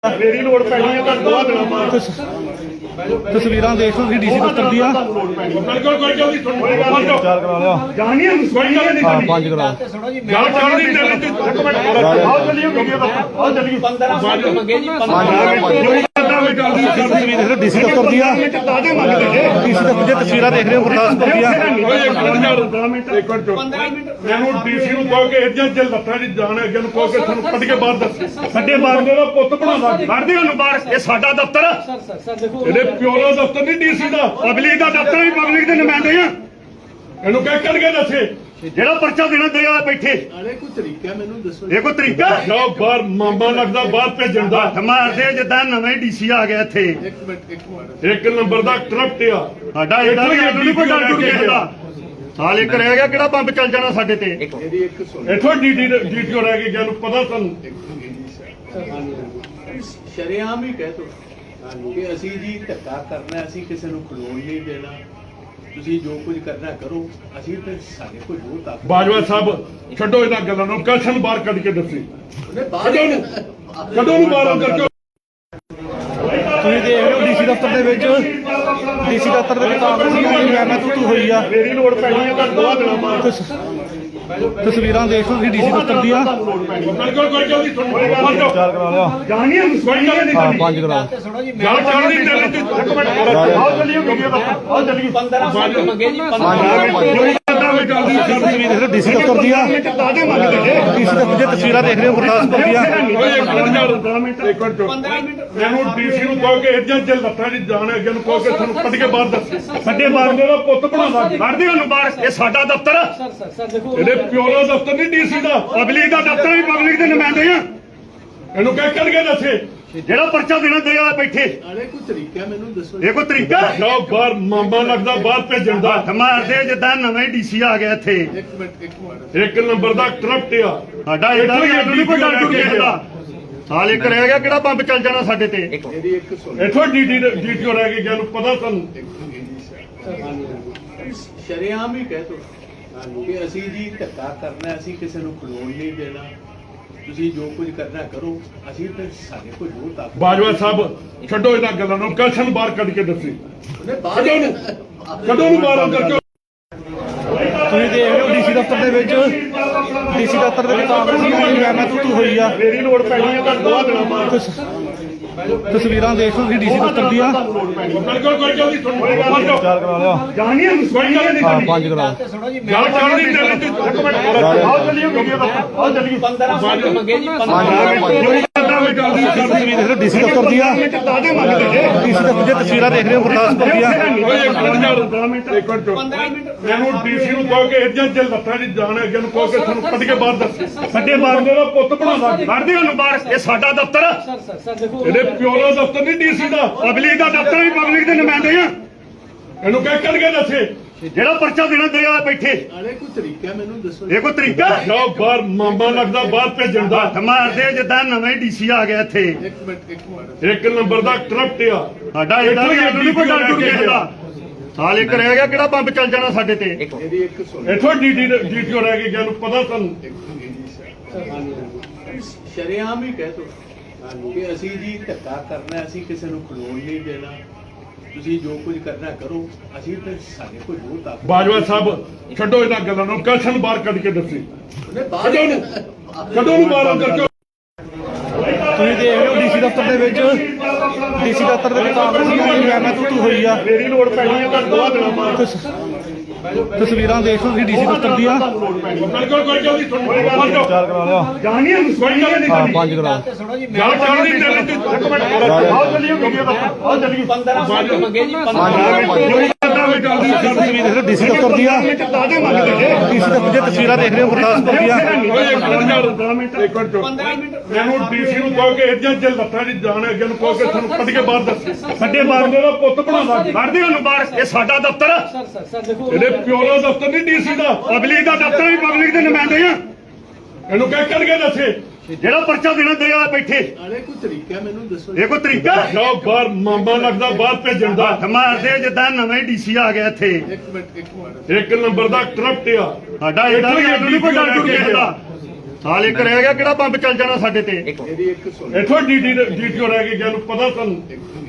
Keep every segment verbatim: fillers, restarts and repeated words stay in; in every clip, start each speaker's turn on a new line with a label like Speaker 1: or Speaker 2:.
Speaker 1: ਮੇਰੀ ਲੋੜ ਪੈਣੀ ਹੈ ਤਾਂ ਦੋ ਦਿਨਾਂ ਬਾਅਦ
Speaker 2: ਤਸਵੀਰਾਂ ਦੇਖ ਲਓ ਤੁਸੀਂ ਡੀਸੀ ਦਫ਼ਤਰ ਦੀਆਂ।
Speaker 1: ਬਿਲਕੁਲ ਕੋਈ ਜਲਦੀ ਸੁਣੋ
Speaker 2: ਚਾਰ ਕਰਾ ਲਿਆ।
Speaker 1: ਜਾਣੀ ਹੈ ਕੋਈ ਗੱਲ ਨਹੀਂ
Speaker 2: ਹਾਂ ਪੰਜ ਕਰਾ।
Speaker 1: ਗੱਲ ਚੱਲਦੀ ਚੱਲਦੀ ਇੱਕ ਮਿੰਟ ਆਓ ਚੱਲੀਏ ਵੀਡੀਓ ਦਾ ਆਓ ਚੱਲੀਏ
Speaker 3: ਪੰਦਰਾਂ ਮਿੰਟ ਮੰਗੇ ਜੀ
Speaker 2: ਤਸਵੀਰ ਦੇਖ ਲਓ ਡੀਸੀ ਦਫ਼ਤਰ ਦੀਆਂ।
Speaker 1: ਤਾਜ਼ੇ ਮੰਗਦੇ ਜੇ
Speaker 2: ਡੀਸੀ ਦਫ਼ਤਰ ਦੀਆਂ ਤਸਵੀਰਾਂ ਦੇਖ ਰਹੇ ਹੋ ਗੁਰਦਾਸਪੁਰ ਦੀਆਂ।
Speaker 1: ਇੱਕ ਮਿੰਟ ਮੈਨੂੰ ਡੀਸੀ ਨੂੰ ਕਹੋ ਕਿ ਇੱਦਾਂ ਜੇ ਲੱਤਾਂ ਦੀ ਜਾਣ ਹੈ ਅੱਗੇ ਨੂੰ ਕਹੋ ਕਿ ਤੁਹਾਨੂੰ ਕੱਢ ਕੇ ਬਾਹਰ ਦੱਸ ਸਾਡੇ ਬਾਹਰ ਦਾ ਪੁੱਤ ਬਣਾਵਾ ਕੱਢਦੇ ਉਹਨੂੰ ਬਾਹਰ। ਇਹ ਸਾਡਾ ਦਫ਼ਤਰ
Speaker 3: ਸਰ ਸਰ ਸਰ ਦੇਖੋ
Speaker 1: ਇਹਦੇ ਪਿਓ ਦਾ ਦਫ਼ਤਰ ਨਹੀਂ ਡੀਸੀ ਦਾ ਪਬਲਿਕ ਦਾ ਦਫ਼ਤਰ ਵੀ ਪਬਲਿਕ ਦੇ ਨੁਮਾਇੰਦੇ ਆ। ਇਹਨੂੰ ਕਹਿ ਕੱਢ ਕੇ ਦੱਸੇ ਜਿਹੜਾ ਪਰਚਾ ਦੇਣਾ ਦੇ ਆ ਬੈਠੇ।
Speaker 4: ਅਰੇ ਕੋਈ ਤਰੀਕਾ ਮੈਨੂੰ ਦੱਸੋ।
Speaker 1: ਇਹ ਕੋਈ ਤਰੀਕਾ ਜਾਓ ਬਾਹਰ ਮਾਮਾ ਲੱਗਦਾ ਬਾਹਰ ਭੇਜਣ ਦਾ ਹੱਥ ਮਾਰਦੇ ਜਿੱਦਾਂ ਨਵੇਂ ਡੀਸੀ ਆ ਗਿਆ ਇੱਥੇ।
Speaker 4: ਇੱਕ ਮਿੰਟ ਇੱਕ ਮਿੰਟ
Speaker 1: ਇੱਕ ਨੰਬਰ ਦਾ ਕਰਪਟ ਆ ਸਾਡਾ ਇਹਦਾ ਵੀ ਅੱਡ ਨਹੀਂ ਕੋਈ ਡਰ ਡੁਰ ਕਿਸੇ ਦਾ। ਸਾਲ ਇੱਕ ਰਹਿ ਗਿਆ ਕਿਹੜਾ ਬੰਬ ਚੱਲ ਜਾਣਾ ਸਾਡੇ ਤੇ।
Speaker 4: ਮੇਰੀ ਇੱਕ ਸੁਣ
Speaker 1: ਇੱਥੋਂ ਡੀਟੀ ਡੀਟੀਓ ਰਹਿ ਗਈ ਜਾਨੂੰ ਪਤਾ ਤੁਹਾਨੂੰ।
Speaker 4: ਸ਼ਰੇਆਮ ਹੀ ਕਹਿ ਤੋ ਕਿ ਅਸੀਂ ਜੀ ਧੱਕਾ ਕਰਨਾ, ਅਸੀਂ ਕਿਸੇ ਨੂੰ ਖਲੋਣ ਨਹੀਂ ਦੇਣਾ, ਤੁਸੀਂ ਜੋ ਕੁਝ ਕਰਨਾ ਕਰੋ, ਅਸੀਂ ਤੇ ਸਾਡੇ ਕੋਲ ਜੋ ਤਾਕਤ।
Speaker 1: ਬਾਜਵਾ ਸਾਹਿਬ ਛੱਡੋ ਇਹਨਾਂ ਗੱਲਾਂ ਨੂੰ, ਕਸ਼ਨ ਬਾਹਰ ਕੱਢ ਕੇ ਦੱਸੀ
Speaker 4: ਉਹਨੇ ਬਾਹਰ
Speaker 1: ਕਦੋਂ ਨੂੰ ਕਦੋਂ ਨੂੰ ਬਾਹਰ ਅੰਦਰ ਕਿਉਂ।
Speaker 2: ਤੁਸੀਂ ਦੇਖ ਰਹੇ ਹੋ ਡੀਸੀ ਦਫ਼ਤਰ ਦੇ ਵਿੱਚ ਡੀਸੀ ਦਫ਼ਤਰ ਦੇ ਵਿੱਚ ਕਾਂਗਰਸੀ ਮੈਂ ਤੂੰ ਤੂੰ ਹੋਈ ਆ।
Speaker 1: ਮੇਰੀ ਲੋੜ ਪੈਣੀ ਹੈ ਤਾਂ ਦੋ ਦਿਨਾਂ ਬਾਅਦ
Speaker 2: ਤਸਵੀਰਾਂ ਦੇਖ ਲਓ ਤੁਸੀਂ ਡੀਸੀ ਦਫ਼ਤਰ ਦੀਆਂ।
Speaker 1: ਬਿਲਕੁਲ ਕੋਈ ਜਲਦੀ ਸੁਣੋ
Speaker 2: ਚਾਰ ਕਰਾ ਲਿਆ।
Speaker 1: ਜਾਣੀ ਹੈ ਕੋਈ ਗੱਲ ਨਹੀਂ
Speaker 2: ਹਾਂ ਪੰਜ ਕਰਾ।
Speaker 1: ਗੱਲ ਚੱਲਦੀ ਚੱਲਦੀ ਇੱਕ ਮਿੰਟ ਆਓ ਚੱਲੀਏ ਵੀਡੀਓ ਦਾ ਆਓ ਚੱਲੀਏ
Speaker 3: ਪੰਦਰਾਂ ਮਿੰਟ ਮੰਗੇ ਜੀ
Speaker 2: ਤਸਵੀਰ ਦੇਖ ਲਓ ਡੀਸੀ ਦਫ਼ਤਰ ਦੀਆਂ।
Speaker 1: ਤਾਜ਼ੇ ਮੰਗਦੇ ਜੇ
Speaker 2: ਡੀਸੀ ਦਫ਼ਤਰ ਦੀਆਂ ਤਸਵੀਰਾਂ ਦੇਖ ਰਹੇ ਹੋ ਗੁਰਦਾਸਪੁਰ ਦੀਆਂ।
Speaker 3: ਪੰਦਰਾਂ ਮਿੰਟ
Speaker 1: ਮੈਨੂੰ ਡੀਸੀ ਨੂੰ ਕਹੋ ਕਿ ਇੱਦਾਂ ਜੇ ਲੱਤਾਂ ਦੀ ਜਾਣ ਹੈ ਅੱਗੇ ਨੂੰ ਕਹੋ ਕਿ ਤੁਹਾਨੂੰ ਕੱਢ ਕੇ ਬਾਹਰ ਦੱਸ ਸਾਡੇ ਬਾਹਰ ਦਾ ਪੁੱਤ ਬਣਾਵਾ ਕੱਢਦੇ ਉਹਨੂੰ ਬਾਹਰ। ਇਹ ਸਾਡਾ ਦਫ਼ਤਰ
Speaker 3: ਸਰ ਸਰ ਸਰ ਦੇਖੋ
Speaker 1: ਇਹਦੇ ਪਿਓ ਦਾ ਦਫ਼ਤਰ ਨਹੀਂ ਡੀਸੀ ਦਾ ਪਬਲਿਕ ਦਾ ਦਫ਼ਤਰ ਵੀ ਪਬਲਿਕ ਦੇ ਨੁਮਾਇੰਦੇ ਆ। ਇਹਨੂੰ ਕਹਿ ਕੱਢ ਕੇ ਦੱਸੇ ਜਿਹੜਾ ਪਰਚਾ ਦੇਣਾ ਦੇ ਆ ਬੈਠੇ।
Speaker 4: ਅਰੇ ਕੋਈ ਤਰੀਕਾ ਮੈਨੂੰ ਦੱਸੋ।
Speaker 1: ਇਹ ਕੋਈ ਤਰੀਕਾ ਜਾਓ ਬਾਹਰ ਮਾਮਾ ਲੱਗਦਾ ਬਾਹਰ ਭੇਜਣ ਦਾ ਹੱਥ ਮਾਰਦੇ ਜਿੱਦਾਂ ਨਵੇਂ ਡੀਸੀ ਆ ਗਿਆ ਇੱਥੇ।
Speaker 4: ਇੱਕ ਮਿੰਟ ਇੱਕ ਮਿੰਟ
Speaker 1: ਇੱਕ ਨੰਬਰ ਦਾ ਕਰਪਟ ਆ ਸਾਡਾ ਇਹਦਾ ਵੀ ਅੱਡ ਨਹੀਂ ਕੋਈ ਡਰ ਡੁਰ ਕਿਸੇ ਦਾ। ਸਾਲ ਇੱਕ ਰਹਿ ਗਿਆ ਕਿਹੜਾ ਬੰਬ ਚੱਲ ਜਾਣਾ ਸਾਡੇ ਤੇ।
Speaker 4: ਮੇਰੀ ਇੱਕ ਸੁਣ
Speaker 1: ਇੱਥੋਂ ਡੀਟੀ ਡੀਟੀਓ ਰਹਿ ਗਈ ਜਾਨੂੰ ਪਤਾ ਤੁਹਾਨੂੰ।
Speaker 4: ਸ਼ਰੇਆਮ ਹੀ ਕਹਿ ਤੋ ਕਿ ਅਸੀਂ ਜੀ ਧੱਕਾ ਕਰਨਾ, ਅਸੀਂ ਕਿਸੇ ਨੂੰ ਖਲੋਣ ਨਹੀਂ ਦੇਣਾ, ਤੁਸੀਂ ਜੋ ਕੁਝ ਕਰਨਾ ਕਰੋ, ਅਸੀਂ ਤੇ ਸਾਡੇ ਕੋਲ ਜੋ ਤਾਕਤ।
Speaker 1: ਬਾਜਵਾ ਸਾਹਿਬ ਛੱਡੋ ਇਹਨਾਂ ਗੱਲਾਂ ਨੂੰ, ਕਸ਼ਨ ਬਾਹਰ ਕੱਢ ਕੇ ਦੱਸੀ
Speaker 4: ਉਹਨੇ ਬਾਹਰ
Speaker 1: ਕਦੋਂ ਨੂੰ ਕਦੋਂ ਨੂੰ ਬਾਹਰ ਅੰਦਰ ਕਿਉਂ।
Speaker 2: ਤੁਸੀਂ ਦੇਖ ਰਹੇ ਹੋ ਡੀਸੀ ਦਫ਼ਤਰ ਦੇ ਵਿੱਚ ਡੀਸੀ ਦਫ਼ਤਰ ਦੇ ਵਿੱਚ ਕਾਂਗਰਸੀ ਮੈਂ ਤੂੰ ਤੂੰ ਹੋਈ ਆ।
Speaker 1: ਮੇਰੀ ਲੋੜ ਪੈਣੀ ਹੈ ਤਾਂ ਦੋ ਦਿਨਾਂ ਬਾਅਦ
Speaker 2: ਤਸਵੀਰਾਂ ਦੇਖ ਲਓ ਤੁਸੀਂ ਡੀਸੀ ਦਫ਼ਤਰ ਦੀਆਂ।
Speaker 1: ਬਿਲਕੁਲ ਕੋਈ ਜਲਦੀ ਸੁਣੋ
Speaker 2: ਚਾਰ ਕਰਾ ਲਿਆ।
Speaker 1: ਜਾਣੀ ਹੈ ਕੋਈ ਗੱਲ ਨਹੀਂ
Speaker 2: ਹਾਂ ਪੰਜ ਕਰਾ।
Speaker 1: ਗੱਲ ਚੱਲਦੀ ਚੱਲਦੀ ਇੱਕ ਮਿੰਟ ਆਓ ਚੱਲੀਏ ਵੀਡੀਓ ਦਾ ਆਓ ਚੱਲੀਏ
Speaker 3: ਪੰਦਰਾਂ ਮਿੰਟ ਮੰਗੇ ਜੀ
Speaker 2: ਤਸਵੀਰ ਦੇਖ ਲਓ ਡੀਸੀ ਦਫ਼ਤਰ ਦੀਆਂ।
Speaker 1: ਤਾਜ਼ੇ ਮੰਗਦੇ ਜੇ
Speaker 2: ਡੀਸੀ ਦਫ਼ਤਰ ਦੀਆਂ ਤਸਵੀਰਾਂ ਦੇਖ ਰਹੇ ਹੋ ਗੁਰਦਾਸਪੁਰ ਦੀਆਂ।
Speaker 3: ਪੰਦਰਾਂ ਮਿੰਟ
Speaker 1: ਮੈਨੂੰ ਡੀਸੀ ਨੂੰ ਕਹੋ ਕਿ ਇੱਦਾਂ ਜੇ ਲੱਤਾਂ ਦੀ ਜਾਣ ਹੈ ਅੱਗੇ ਨੂੰ ਕਹੋ ਕਿ ਤੁਹਾਨੂੰ ਕੱਢ ਕੇ ਬਾਹਰ ਦੱਸ ਸਾਡੇ ਬਾਹਰ ਦਾ ਪੁੱਤ ਬਣਾਵਾ ਕੱਢਦੇ ਉਹਨੂੰ ਬਾਹਰ। ਇਹ ਸਾਡਾ ਦਫ਼ਤਰ
Speaker 3: ਸਰ ਸਰ ਸਰ ਦੇਖੋ
Speaker 1: ਇਹਦੇ ਪਿਓ ਦਾ ਦਫ਼ਤਰ ਨਹੀਂ ਡੀਸੀ ਦਾ ਪਬਲਿਕ ਦਾ ਦਫ਼ਤਰ ਵੀ ਪਬਲਿਕ ਦੇ ਨੁਮਾਇੰਦੇ ਆ। ਇਹਨੂੰ ਕਹਿ ਕੱਢ ਕੇ ਦੱਸੇ ਜਿਹੜਾ ਪਰਚਾ ਦੇਣਾ ਦੇ ਆ ਬੈਠੇ।
Speaker 4: ਅਰੇ ਕੋਈ ਤਰੀਕਾ ਮੈਨੂੰ ਦੱਸੋ।
Speaker 1: ਇਹ ਕੋਈ ਤਰੀਕਾ ਜਾਓ ਬਾਹਰ ਮਾਮਾ ਲੱਗਦਾ ਬਾਹਰ ਭੇਜਣ ਦਾ ਹੱਥ ਮਾਰਦੇ ਜਿੱਦਾਂ ਨਵੇਂ ਡੀਸੀ ਆ ਗਿਆ ਇੱਥੇ।
Speaker 4: ਇੱਕ ਮਿੰਟ ਇੱਕ ਮਿੰਟ
Speaker 1: ਇੱਕ ਨੰਬਰ ਦਾ ਕਰਪਟ ਆ ਸਾਡਾ ਇਹਦਾ ਵੀ ਅੱਡ ਨਹੀਂ ਕੋਈ ਡਰ ਡੁਰ ਕਿਸੇ ਦਾ। ਸਾਲ ਇੱਕ ਰਹਿ ਗਿਆ ਕਿਹੜਾ ਬੰਬ ਚੱਲ ਜਾਣਾ ਸਾਡੇ ਤੇ।
Speaker 4: ਮੇਰੀ ਇੱਕ ਸੁਣ
Speaker 1: ਇੱਥੋਂ ਡੀਟੀ ਡੀਟੀਓ ਰਹਿ ਗਈ ਜਾਨੂੰ ਪਤਾ ਤੁਹਾਨੂੰ।
Speaker 4: ਸ਼ਰੇਆਮ ਹੀ ਕਹਿ ਤੋ ਕਿ ਅਸੀਂ ਜੀ ਧੱਕਾ ਕਰਨਾ, ਅਸੀਂ ਕਿਸੇ ਨੂੰ ਖਲੋਣ ਨਹੀਂ ਦੇਣਾ, ਤੁਸੀਂ ਜੋ ਕੁਝ ਕਰਨਾ ਕਰੋ, ਅਸੀਂ ਤੇ ਸਾਡੇ ਕੋਲ ਜੋ ਤਾਕਤ।
Speaker 1: ਬਾਜਵਾ ਸਾਹਿਬ ਛੱਡੋ ਇਹਨਾਂ ਗੱਲਾਂ ਨੂੰ, ਕਸ਼ਨ ਬਾਹਰ ਕੱਢ ਕੇ ਦੱਸੀ
Speaker 4: ਉਹਨੇ ਬਾਹਰ
Speaker 1: ਕਦੋਂ ਨੂੰ ਕਦੋਂ ਨੂੰ ਬਾਹਰ ਅੰਦਰ ਕਿਉਂ।
Speaker 2: ਤੁਸੀਂ ਦੇਖ ਰਹੇ ਹੋ ਡੀਸੀ ਦਫ਼ਤਰ ਦੇ ਵਿੱਚ ਡੀਸੀ ਦਫ਼ਤਰ ਦੇ ਵਿੱਚ ਕਾਂਗਰਸੀ ਮੈਂ ਤੂੰ ਤੂੰ ਹੋਈ ਆ।
Speaker 1: ਮੇਰੀ ਲੋੜ ਪੈਣੀ ਹੈ ਤਾਂ ਦੋ ਦਿਨਾਂ ਬਾਅਦ
Speaker 2: ਤਸਵੀਰਾਂ ਦੇਖ ਲਓ ਤੁਸੀਂ ਡੀਸੀ ਦਫ਼ਤਰ ਦੀਆਂ।
Speaker 1: ਬਿਲਕੁਲ ਕੋਈ ਜਲਦੀ ਸੁਣੋ
Speaker 2: ਚਾਰ ਕਰਾ ਲਿਆ।
Speaker 1: ਜਾਣੀ ਹੈ ਕੋਈ ਗੱਲ
Speaker 2: ਹਾਂ
Speaker 1: ਨਹੀਂ
Speaker 2: ਪੰਜ ਕਰਾ।
Speaker 1: ਗੱਲ ਚੱਲਦੀ ਚੱਲਦੀ ਇੱਕ ਮਿੰਟ ਆਓ ਚੱਲੀਏ ਵੀਡੀਓ ਦਾ ਆਓ ਚੱਲੀਏ
Speaker 3: ਪੰਦਰਾਂ ਮਿੰਟ ਮੰਗੇ ਜੀ
Speaker 2: ਤਸਵੀਰ ਦੇਖ ਲਓ ਡੀਸੀ ਦਫ਼ਤਰ ਦੀਆਂ।
Speaker 1: ਤਾਜ਼ੇ ਮੰਗਦੇ ਜੇ
Speaker 2: ਡੀਸੀ ਦਫ਼ਤਰ ਦੀਆਂ ਤਸਵੀਰਾਂ ਦੇਖ ਰਹੇ ਹੋ ਗੁਰਦਾਸਪੁਰ ਦੀਆਂ।
Speaker 3: ਪੰਦਰਾਂ ਮਿੰਟ
Speaker 1: ਮੈਨੂੰ ਡੀਸੀ ਨੂੰ ਕਹੋ ਕਿ ਇੱਦਾਂ ਜੇ ਲੱਤਾਂ ਦੀ ਜਾਣ ਹੈ ਅੱਗੇ ਨੂੰ ਕਹੋ ਕਿ ਤੁਹਾਨੂੰ ਕੱਢ ਕੇ ਬਾਹਰ ਦੱਸ ਸਾਡੇ ਬਾਹਰ ਦਾ ਪੁੱਤ ਬਣਾਵਾ ਕੱਢਦੇ ਉਹਨੂੰ ਬਾਹਰ। ਇਹ ਸਾਡਾ ਦਫ਼ਤਰ
Speaker 3: ਸਰ ਸਰ ਸਰ ਦੇਖੋ
Speaker 1: ਇਹਦੇ ਪਿਓ ਦਾ ਦਫ਼ਤਰ ਨਹੀਂ ਡੀਸੀ ਦਾ ਪਬਲਿਕ ਦਾ ਦਫ਼ਤਰ ਵੀ ਪਬਲਿਕ ਦੇ ਨੁਮਾਇੰਦੇ ਆ। ਇਹਨੂੰ ਕਹਿ ਕੱਢ ਕੇ ਦੱਸੇ ਜਿਹੜਾ ਪਰਚਾ ਦੇਣਾ ਦੇ ਆ ਬੈਠੇ।
Speaker 4: ਅਰੇ ਕੋਈ ਤਰੀਕਾ ਮੈਨੂੰ ਦੱਸੋ।
Speaker 1: ਇਹ ਕੋਈ ਤਰੀਕਾ ਜਾਓ ਬਾਹਰ ਮਾਮਾ ਲੱਗਦਾ ਬਾਹਰ ਭੇਜਣ ਦਾ ਹੱਥ ਮਾਰਦੇ ਜਿੱਦਾਂ ਨਵੇਂ ਡੀਸੀ ਆ ਗਿਆ ਇੱਥੇ।
Speaker 4: ਇੱਕ ਮਿੰਟ ਇੱਕ ਮਿੰਟ
Speaker 1: ਇੱਕ ਨੰਬਰ ਦਾ ਕਰਪਟ ਆ
Speaker 2: ਸਾਡਾ ਇਹਦਾ ਵੀ ਅੱਡ ਨਹੀਂ ਕੋਈ ਡਰ ਡੁਰ ਕਿਸੇ ਦਾ।
Speaker 1: ਸਾਲ ਇੱਕ ਰਹਿ ਗਿਆ ਕਿਹੜਾ ਬੰਬ ਚੱਲ ਜਾਣਾ ਸਾਡੇ ਤੇ
Speaker 4: ਮੇਰੀ ਇੱਕ ਸੁਣ
Speaker 1: ਇੱਥੋਂ ਡੀਟੀ ਡੀਟੀਓ ਰਹਿ ਗਈ ਜਿਹਨੂੰ ਪਤਾ ਤੁਹਾਨੂੰ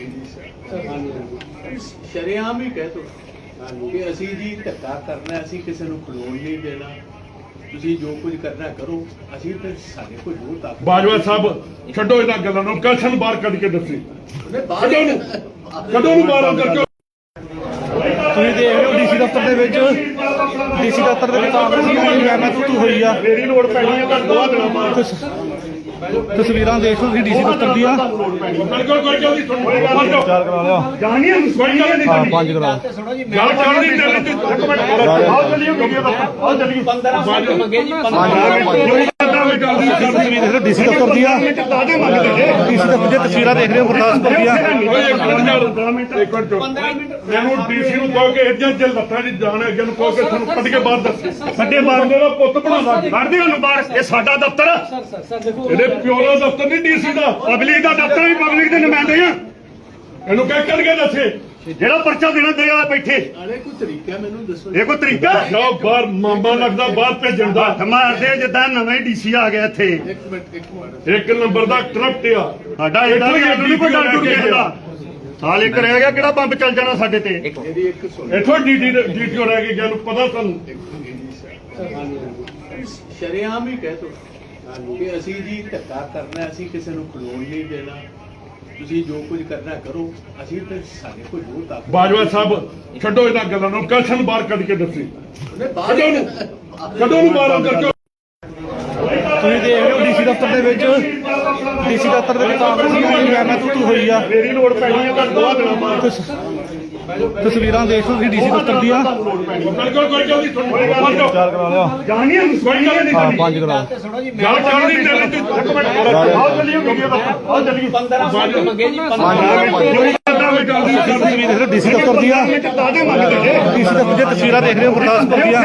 Speaker 4: ਸ਼ਰੇਆਮ ਹੀ ਕਹਿ ਤੋ ਕਿ ਅਸੀਂ ਜੀ ਧੱਕਾ ਕਰਨਾ, ਅਸੀਂ ਕਿਸੇ ਨੂੰ ਖਲੋਣ ਨਹੀਂ ਦੇਣਾ। ਤੁਸੀਂ ਜੋ ਕੁਝ ਕਰਨਾ ਕਰੋ, ਅਸੀਂ ਤੇ ਸਾਡੇ ਕੋਲ ਜੋ ਤਾਕਤ।
Speaker 1: ਬਾਜਵਾ ਸਾਹਿਬ ਛੱਡੋ ਇਹਨਾਂ ਗੱਲਾਂ ਨੂੰ, ਕਸ਼ਨ ਬਾਹਰ ਕੱਢ ਕੇ ਦੱਸੀ ਕਦੋਂ ਨੂੰ ਕਦੋਂ ਨੂੰ ਬਾਹਰ ਅੰਦਰ ਕਿਉਂ
Speaker 2: ਤੁਸੀਂ ਦੇਖ ਰਹੇ ਹੋ ਡੀਸੀ ਦਫ਼ਤਰ ਦੇ ਵਿੱਚ ਡੀਸੀ ਦਫ਼ਤਰ ਦੇ ਵਿੱਚ ਕਾਂਗਰਸੀ ਮੈਂ ਮੈਂ ਤੂੰ ਹੋਈ ਆ
Speaker 1: ਮੇਰੀ ਲੋੜ ਪੈਣੀ ਹੈ ਤਾਂ ਦੋ ਦਿਨਾਂ ਬਾਅਦ
Speaker 2: ਤਸਵੀਰਾਂ ਦੇਖ ਲਓ ਤੁਸੀਂ ਡੀਸੀ ਦਫ਼ਤਰ ਦੀਆਂ
Speaker 1: ਬਿਲਕੁਲ ਕੋਈ ਜਲਦੀ ਸੁਣੋ
Speaker 2: ਚਾਰ ਕਰਾ ਲਿਆ
Speaker 1: ਜਾਣੀ ਹੈ ਕੋਈ ਗੱਲ ਨਹੀਂ
Speaker 2: ਹਾਂ ਪੰਜ ਕਰਾ
Speaker 1: ਗੱਲ ਚੱਲਦੀ ਚੱਲਦੀ ਇੱਕ ਮਿੰਟ ਆਓ ਚੱਲੀਏ ਵੀਡੀਓ ਦਾ ਆਓ ਚੱਲੀਏ
Speaker 3: ਪੰਦਰਾਂ ਮਿੰਟ ਮੰਗੇ ਜੀ
Speaker 2: ਤਸਵੀਰ ਦੇਖ ਰਹੇ ਹੋ ਡੀਸੀ ਦਫ਼ਤਰ ਦੀਆਂ
Speaker 1: ਦਾਦੇ ਮੰਗਦੇ
Speaker 2: ਡੀਸੀ ਦਫ਼ਤਰ ਦੀਆਂ ਤਸਵੀਰਾਂ ਦੇਖ ਰਹੇ ਹੋ ਗੁਰਦਾਸਪੁਰ ਦੀਆਂ
Speaker 1: ਇੱਕ ਮਿੰਟ ਮੈਨੂੰ ਡੀਸੀ ਨੂੰ ਕਹੋ ਕਿ ਇੱਦਾਂ ਜੇ ਲੱਤਾਂ 'ਚ ਜਾਣ ਅੱਗੇ ਨੂੰ ਕਹੋ ਕਿ ਤੁਹਾਨੂੰ ਕੱਢ ਕੇ ਬਾਹਰ ਦੱਸ ਸਾਡੇ ਬੰਦੇ ਦਾ ਪੁੱਤ ਬਣਾਉਂਦਾ ਕੱਢਦੇ ਉਹਨੂੰ ਬਾਹਰ ਇਹ ਸਾਡਾ ਦਫ਼ਤਰ
Speaker 3: ਸਰ ਸਰ ਸਰ ਦੇਖੋ
Speaker 1: ਇਹਦੇ ਪਿਓ ਦਾ ਦਫ਼ਤਰ ਨਹੀਂ ਡੀਸੀ ਦਾ ਪਬਲਿਕ ਦਾ ਦਫ਼ਤਰ ਵੀ ਪਬਲਿਕ ਦੇ ਨੁਮਾਇੰਦੇ ਆ ਇਹਨੂੰ ਕਹਿ ਕੱਢ ਕੇ ਦੱਸੇ ਜਿਹੜਾ ਪਰਚਾ ਦੇਣਾ ਦੇਗਾ ਬੈਠੇ
Speaker 4: ਅਰੇ ਕੋਈ ਤਰੀਕਾ ਮੈਨੂੰ ਦੱਸੋ।
Speaker 1: ਇਹ ਕੋਈ ਤਰੀਕਾ ਜਾਓ ਬਾਹਰ ਮਾਮਾ ਲੱਗਦਾ ਬਾਹਰ ਭੇਜਣ ਦਾ ਮਾਰਦੇ ਜਿੱਦਾਂ ਨਵੇਂ ਡੀਸੀ ਆ ਗਿਆ ਇੱਥੇ
Speaker 4: ਇੱਕ ਮਿੰਟ ਇੱਕ ਮਿੰਟ
Speaker 1: ਇੱਕ ਨੰਬਰ ਦਾ ਕਰਪਟ ਆ
Speaker 2: ਸਾਡਾ ਇਹਦਾ ਵੀ ਸਾਨੂੰ ਨਹੀਂ ਕੋਈ ਡਰ ਡੁਰ ਕਿਸੇ ਦਾ ਸਾਲ ਇੱਕ ਰਹਿ ਗਿਆ ਕਿਹੜਾ ਬੰਬ ਚੱਲ ਜਾਣਾ ਸਾਡੇ ਤੇ
Speaker 4: ਮੇਰੀ ਇੱਕ ਸੁਣ
Speaker 1: ਇੱਥੋਂ ਡੀਟੀ ਡੀਟੀਓ ਰਹਿ ਗਈ ਜਿਹਨੂੰ ਪਤਾ ਤੁਹਾਨੂੰ
Speaker 4: ਸ਼ਰੇਆਮ ਹੀ ਕਹਿ ਤੋ ਕਿ ਅਸੀਂ ਜੀ ਧੱਕਾ ਕਰਨਾ, ਅਸੀਂ ਕਿਸੇ ਨੂੰ ਖਲੋਣ ਨਹੀਂ ਦੇਣਾ। ਤੁਸੀਂ ਜੋ ਕੁਝ ਕਰਨਾ ਕਰੋ, ਅਸੀਂ ਤੇ ਸਾਡੇ ਕੋਲ ਜੋ ਤਾਕਤ।
Speaker 1: ਬਾਜਵਾ ਸਾਹਿਬ ਛੱਡੋ ਇਹਨਾਂ ਗੱਲਾਂ ਨੂੰ, ਕਸ਼ਨ ਬਾਹਰ ਕੱਢ ਕੇ ਦੱਸੀ ਕਦੋਂ ਨੂੰ ਕਦੋਂ ਨੂੰ ਬਾਹਰ ਅੰਦਰ ਕਿਉਂ
Speaker 2: ਤੁਸੀਂ ਦੇਖ ਰਹੇ ਹੋ ਡੀਸੀ ਦਫ਼ਤਰ ਦੇ ਵਿੱਚ ਡੀਸੀ ਦਫ਼ਤਰ ਦੇ ਵਿੱਚ ਕਾਂਗਰਸੀ ਮੈਂ ਮੈਂ ਤੂੰ ਹੋਈ ਆ
Speaker 1: ਮੇਰੀ ਲੋੜ ਪੈਣੀ ਹੈ ਤਾਂ ਦੋ ਦਿਨਾਂ ਬਾਅਦ
Speaker 2: ਤਸਵੀਰਾਂ ਦੇਖ ਲਓ ਤੁਸੀਂ ਡੀਸੀ ਦਫ਼ਤਰ ਦੀਆਂ
Speaker 1: ਬਿਲਕੁਲ ਕੋਈ ਜਲਦੀ ਸੁਣੋ
Speaker 2: ਚਾਰ ਕਰਾ ਲਿਆ
Speaker 1: ਜਾਣੀ ਹੈ ਕੋਈ ਗੱਲ ਨਹੀਂ
Speaker 2: ਹਾਂ ਪੰਜ ਕਰਾ
Speaker 1: ਗੱਲ ਚੱਲਦੀ ਚੱਲਦੀ ਇੱਕ ਮਿੰਟ ਆਓ ਚੱਲੀਏ ਵੀਡੀਓ ਦਾ ਆਓ ਚੱਲੀਏ
Speaker 3: ਪੰਦਰਾਂ ਮਿੰਟ ਮੰਗੇ ਜੀ
Speaker 2: ਤਸਵੀਰ ਦੇਖ ਰਹੇ ਹੋ ਡੀਸੀ ਦਫ਼ਤਰ ਦੀਆਂ
Speaker 1: ਦਾਦੇ ਮੰਗਦੇ
Speaker 2: ਡੀਸੀ ਦਫ਼ਤਰ ਦੀਆਂ ਤਸਵੀਰਾਂ ਦੇਖ ਰਹੇ ਹੋ ਗੁਰਦਾਸਪੁਰ ਦੀਆਂ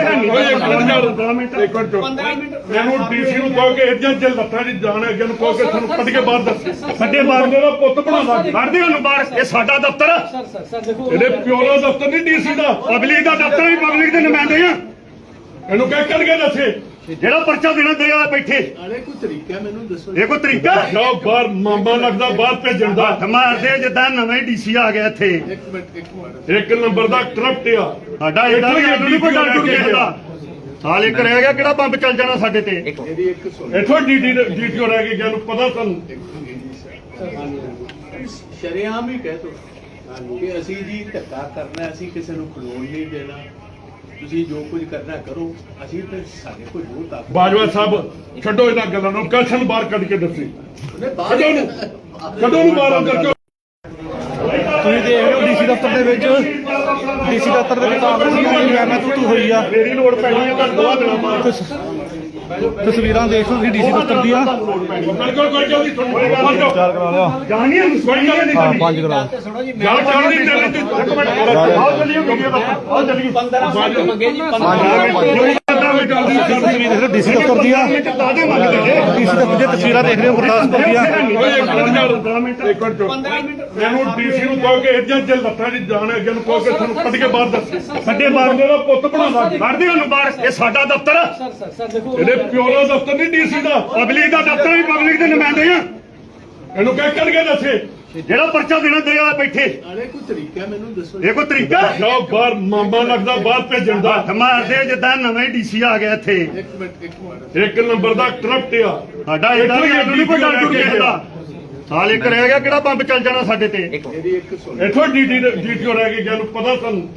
Speaker 3: ਪੰਦਰਾਂ ਮਿੰਟ
Speaker 1: ਮੈਨੂੰ ਡੀਸੀ ਨੂੰ ਕਹੋ ਕਿ ਇੱਦਾਂ ਜੇ ਲੱਤਾਂ 'ਚ ਜਾਣ ਅੱਗੇ ਨੂੰ ਕਹੋ ਕਿ ਤੁਹਾਨੂੰ ਕੱਢ ਕੇ ਬਾਹਰ ਦੱਸ ਸਾਡੇ ਬੰਦੇ ਦਾ ਪੁੱਤ ਬਣਾਉਂਦਾ ਕੱਢਦੇ ਉਹਨੂੰ ਬਾਹਰ ਇਹ ਸਾਡਾ ਦਫ਼ਤਰ
Speaker 3: ਸਰ ਸਰ ਸਰ ਦੇਖੋ
Speaker 1: ਇਹਦੇ ਪਿਓ ਦਾ ਦਫ਼ਤਰ ਨਹੀਂ ਡੀਸੀ ਦਾ ਪਬਲਿਕ ਦਾ ਦਫ਼ਤਰ ਵੀ ਪਬਲਿਕ ਦੇ ਨੁਮਾਇੰਦੇ ਆ ਇਹਨੂੰ ਕਹਿ ਕੱਢ ਕੇ ਦੱਸੇ ਜਿਹੜਾ ਪਰਚਾ ਦੇਣਾ ਦੇਗਾ ਬੈਠੇ
Speaker 4: ਅਰੇ ਕੋਈ ਤਰੀਕਾ ਮੈਨੂੰ ਦੱਸੋ।
Speaker 1: ਇਹ ਕੋਈ ਤਰੀਕਾ ਜਾਓ ਬਾਹਰ ਮਾਮਾ ਲੱਗਦਾ ਬਾਹਰ ਭੇਜਣ ਦਾ ਮਾਰਦੇ ਜਿੱਦਾਂ ਨਵੇਂ ਡੀਸੀ ਆ ਗਿਆ ਇੱਥੇ
Speaker 4: ਇੱਕ ਮਿੰਟ ਇੱਕ ਮਿੰਟ
Speaker 1: ਇੱਕ ਨੰਬਰ ਦਾ ਕਰਪਟ ਆ
Speaker 2: ਸਾਡਾ ਇਹਦਾ ਵੀ ਸਾਨੂੰ ਨਹੀਂ ਕੋਈ ਡਰ ਡੁਰ ਕਿਸੇ ਦਾ ਸਾਲ ਇੱਕ ਰਹਿ ਗਿਆ ਕਿਹੜਾ ਬੰਬ ਚੱਲ ਜਾਣਾ ਸਾਡੇ ਤੇ
Speaker 4: ਮੇਰੀ ਇੱਕ ਸੁਣ
Speaker 1: ਇੱਥੋਂ ਡੀਟੀ ਡੀਟੀਓ ਰਹਿ ਗਈ ਜਿਹਨੂੰ ਪਤਾ ਤੁਹਾਨੂੰ
Speaker 4: ਸ਼ਰੇਆਮ ਹੀ ਕਹਿ ਤੋ ਕਿ ਅਸੀਂ ਜੀ ਧੱਕਾ ਕਰਨਾ, ਅਸੀਂ ਕਿਸੇ ਨੂੰ ਖਲੋਣ ਨਹੀਂ ਦੇਣਾ। ਤੁਸੀਂ ਜੋ ਕੁਝ ਕਰਨਾ ਕਰੋ, ਅਸੀਂ ਤੇ ਸਾਡੇ ਕੋਲ ਜੋ ਤਾਕਤ।
Speaker 1: ਬਾਜਵਾ ਸਾਹਿਬ ਛੱਡੋ ਇਹਨਾਂ ਗੱਲਾਂ ਨੂੰ, ਕਸ਼ਨ ਬਾਹਰ ਕੱਢ ਕੇ ਦੱਸੀ ਕਦੋਂ ਨੂੰ ਕਦੋਂ ਨੂੰ ਬਾਹਰ ਅੰਦਰ ਕਿਉਂ
Speaker 2: ਤੁਸੀਂ ਦੇਖ ਰਹੇ ਹੋ ਡੀਸੀ ਦਫ਼ਤਰ ਦੇ ਵਿੱਚ ਡੀਸੀ ਦਫ਼ਤਰ ਦੇ ਵਿੱਚ ਕਾਂਗਰਸੀ ਮੈਂ ਮੈਂ ਤੂੰ ਹੋਈ ਆ
Speaker 1: ਮੇਰੀ ਲੋੜ ਪੈਣੀ ਹੈ ਤਾਂ ਦੋ ਦਿਨਾਂ ਬਾਅਦ
Speaker 2: ਤਸਵੀਰਾਂ ਦੇਖ ਲਓ ਤੁਸੀਂ ਡੀਸੀ ਦਫ਼ਤਰ ਦੀਆਂ
Speaker 1: ਬਿਲਕੁਲ ਕੋਈ ਜਲਦੀ ਸੁਣੋ
Speaker 2: ਚਾਰ ਕਰਾ ਲਿਆ
Speaker 1: ਜਾਣੀ ਹੈ ਕੋਈ ਗੱਲ
Speaker 2: ਹਾਂ
Speaker 1: ਨਹੀਂ
Speaker 2: ਪੰਜ ਕਰਾ
Speaker 1: ਗੱਲ ਚੱਲਦੀ ਚੱਲਦੀ ਇੱਕ ਮਿੰਟ ਆਓ ਚੱਲੀਏ ਵੀਡੀਓ ਦਾ ਆਓ ਚੱਲੀਏ
Speaker 3: ਪੰਦਰਾਂ ਮਿੰਟ ਮੰਗੇ ਜੀ ਪੰਦਰਾਂ
Speaker 2: ਤਸਵੀਰ ਦੇਖ ਰਹੇ ਹੋ ਡੀਸੀ ਦਫ਼ਤਰ ਦੀਆਂ
Speaker 1: ਦਾਦੇ ਮੰਗਦੇ
Speaker 2: ਡੀਸੀ ਦਫ਼ਤਰ ਦੀਆਂ ਤਸਵੀਰਾਂ ਦੇਖ ਰਹੇ ਹੋ ਗੁਰਦਾਸਪੁਰ ਦੀਆਂ
Speaker 3: ਪੰਦਰਾਂ ਮਿੰਟ
Speaker 1: ਮੈਨੂੰ ਡੀਸੀ ਨੂੰ ਕਹੋ ਕਿ ਇੱਦਾਂ ਜੇ ਲੱਤਾਂ 'ਚ ਜਾਣ ਅੱਗੇ ਨੂੰ ਕਹੋ ਕਿ ਤੁਹਾਨੂੰ ਕੱਢ ਕੇ ਬਾਹਰ ਦੱਸ ਸਾਡੇ ਬੰਦੇ ਦਾ ਪੁੱਤ ਬਣਾਉਂਦਾ ਕੱਢਦੇ ਉਹਨੂੰ ਬਾਹਰ ਇਹ ਸਾਡਾ ਦਫ਼ਤਰ
Speaker 3: ਸਰ ਸਰ ਸਰ ਦੇਖੋ
Speaker 1: ਇਹਦੇ ਪਿਓ ਦਾ ਦਫ਼ਤਰ ਨਹੀਂ ਡੀਸੀ ਦਾ ਪਬਲਿਕ ਦਾ ਦਫ਼ਤਰ ਵੀ ਪਬਲਿਕ ਦੇ ਨੁਮਾਇੰਦੇ ਆ ਇਹਨੂੰ ਕਹਿ ਕੱਢ ਕੇ ਦੱਸੇ ਜਿਹੜਾ ਪਰਚਾ ਦੇਣਾ ਦੇਗਾ ਬੈਠੇ
Speaker 4: ਅਰੇ ਕੋਈ ਤਰੀਕਾ ਮੈਨੂੰ ਦੱਸੋ।
Speaker 1: ਇਹ ਕੋਈ ਤਰੀਕਾ ਜਾਓ ਬਾਹਰ ਮਾਮਾ ਲੱਗਦਾ ਬਾਹਰ ਭੇਜਣ ਦਾ ਮਾਰਦੇ ਜਿੱਦਾਂ ਨਵੇਂ ਡੀਸੀ ਆ ਗਿਆ ਇੱਥੇ
Speaker 4: ਇੱਕ ਮਿੰਟ ਇੱਕ ਮਿੰਟ
Speaker 1: ਇੱਕ ਨੰਬਰ ਦਾ ਕਰਪਟ ਆ
Speaker 2: ਸਾਡਾ ਇਹਦਾ ਵੀ ਸਾਨੂੰ ਨਹੀਂ ਕੋਈ ਡਰ ਡੁਰ ਕਿਸੇ ਦਾ ਸਾਲ ਇੱਕ ਰਹਿ ਗਿਆ ਕਿਹੜਾ ਬੰਬ ਚੱਲ ਜਾਣਾ ਸਾਡੇ ਤੇ
Speaker 4: ਮੇਰੀ ਇੱਕ ਸੁਣ
Speaker 1: ਇੱਥੋਂ ਡੀਟੀ ਡੀਟੀਓ ਰਹਿ ਗਈ ਜਿਹਨੂੰ ਪਤਾ ਤੁਹਾਨੂੰ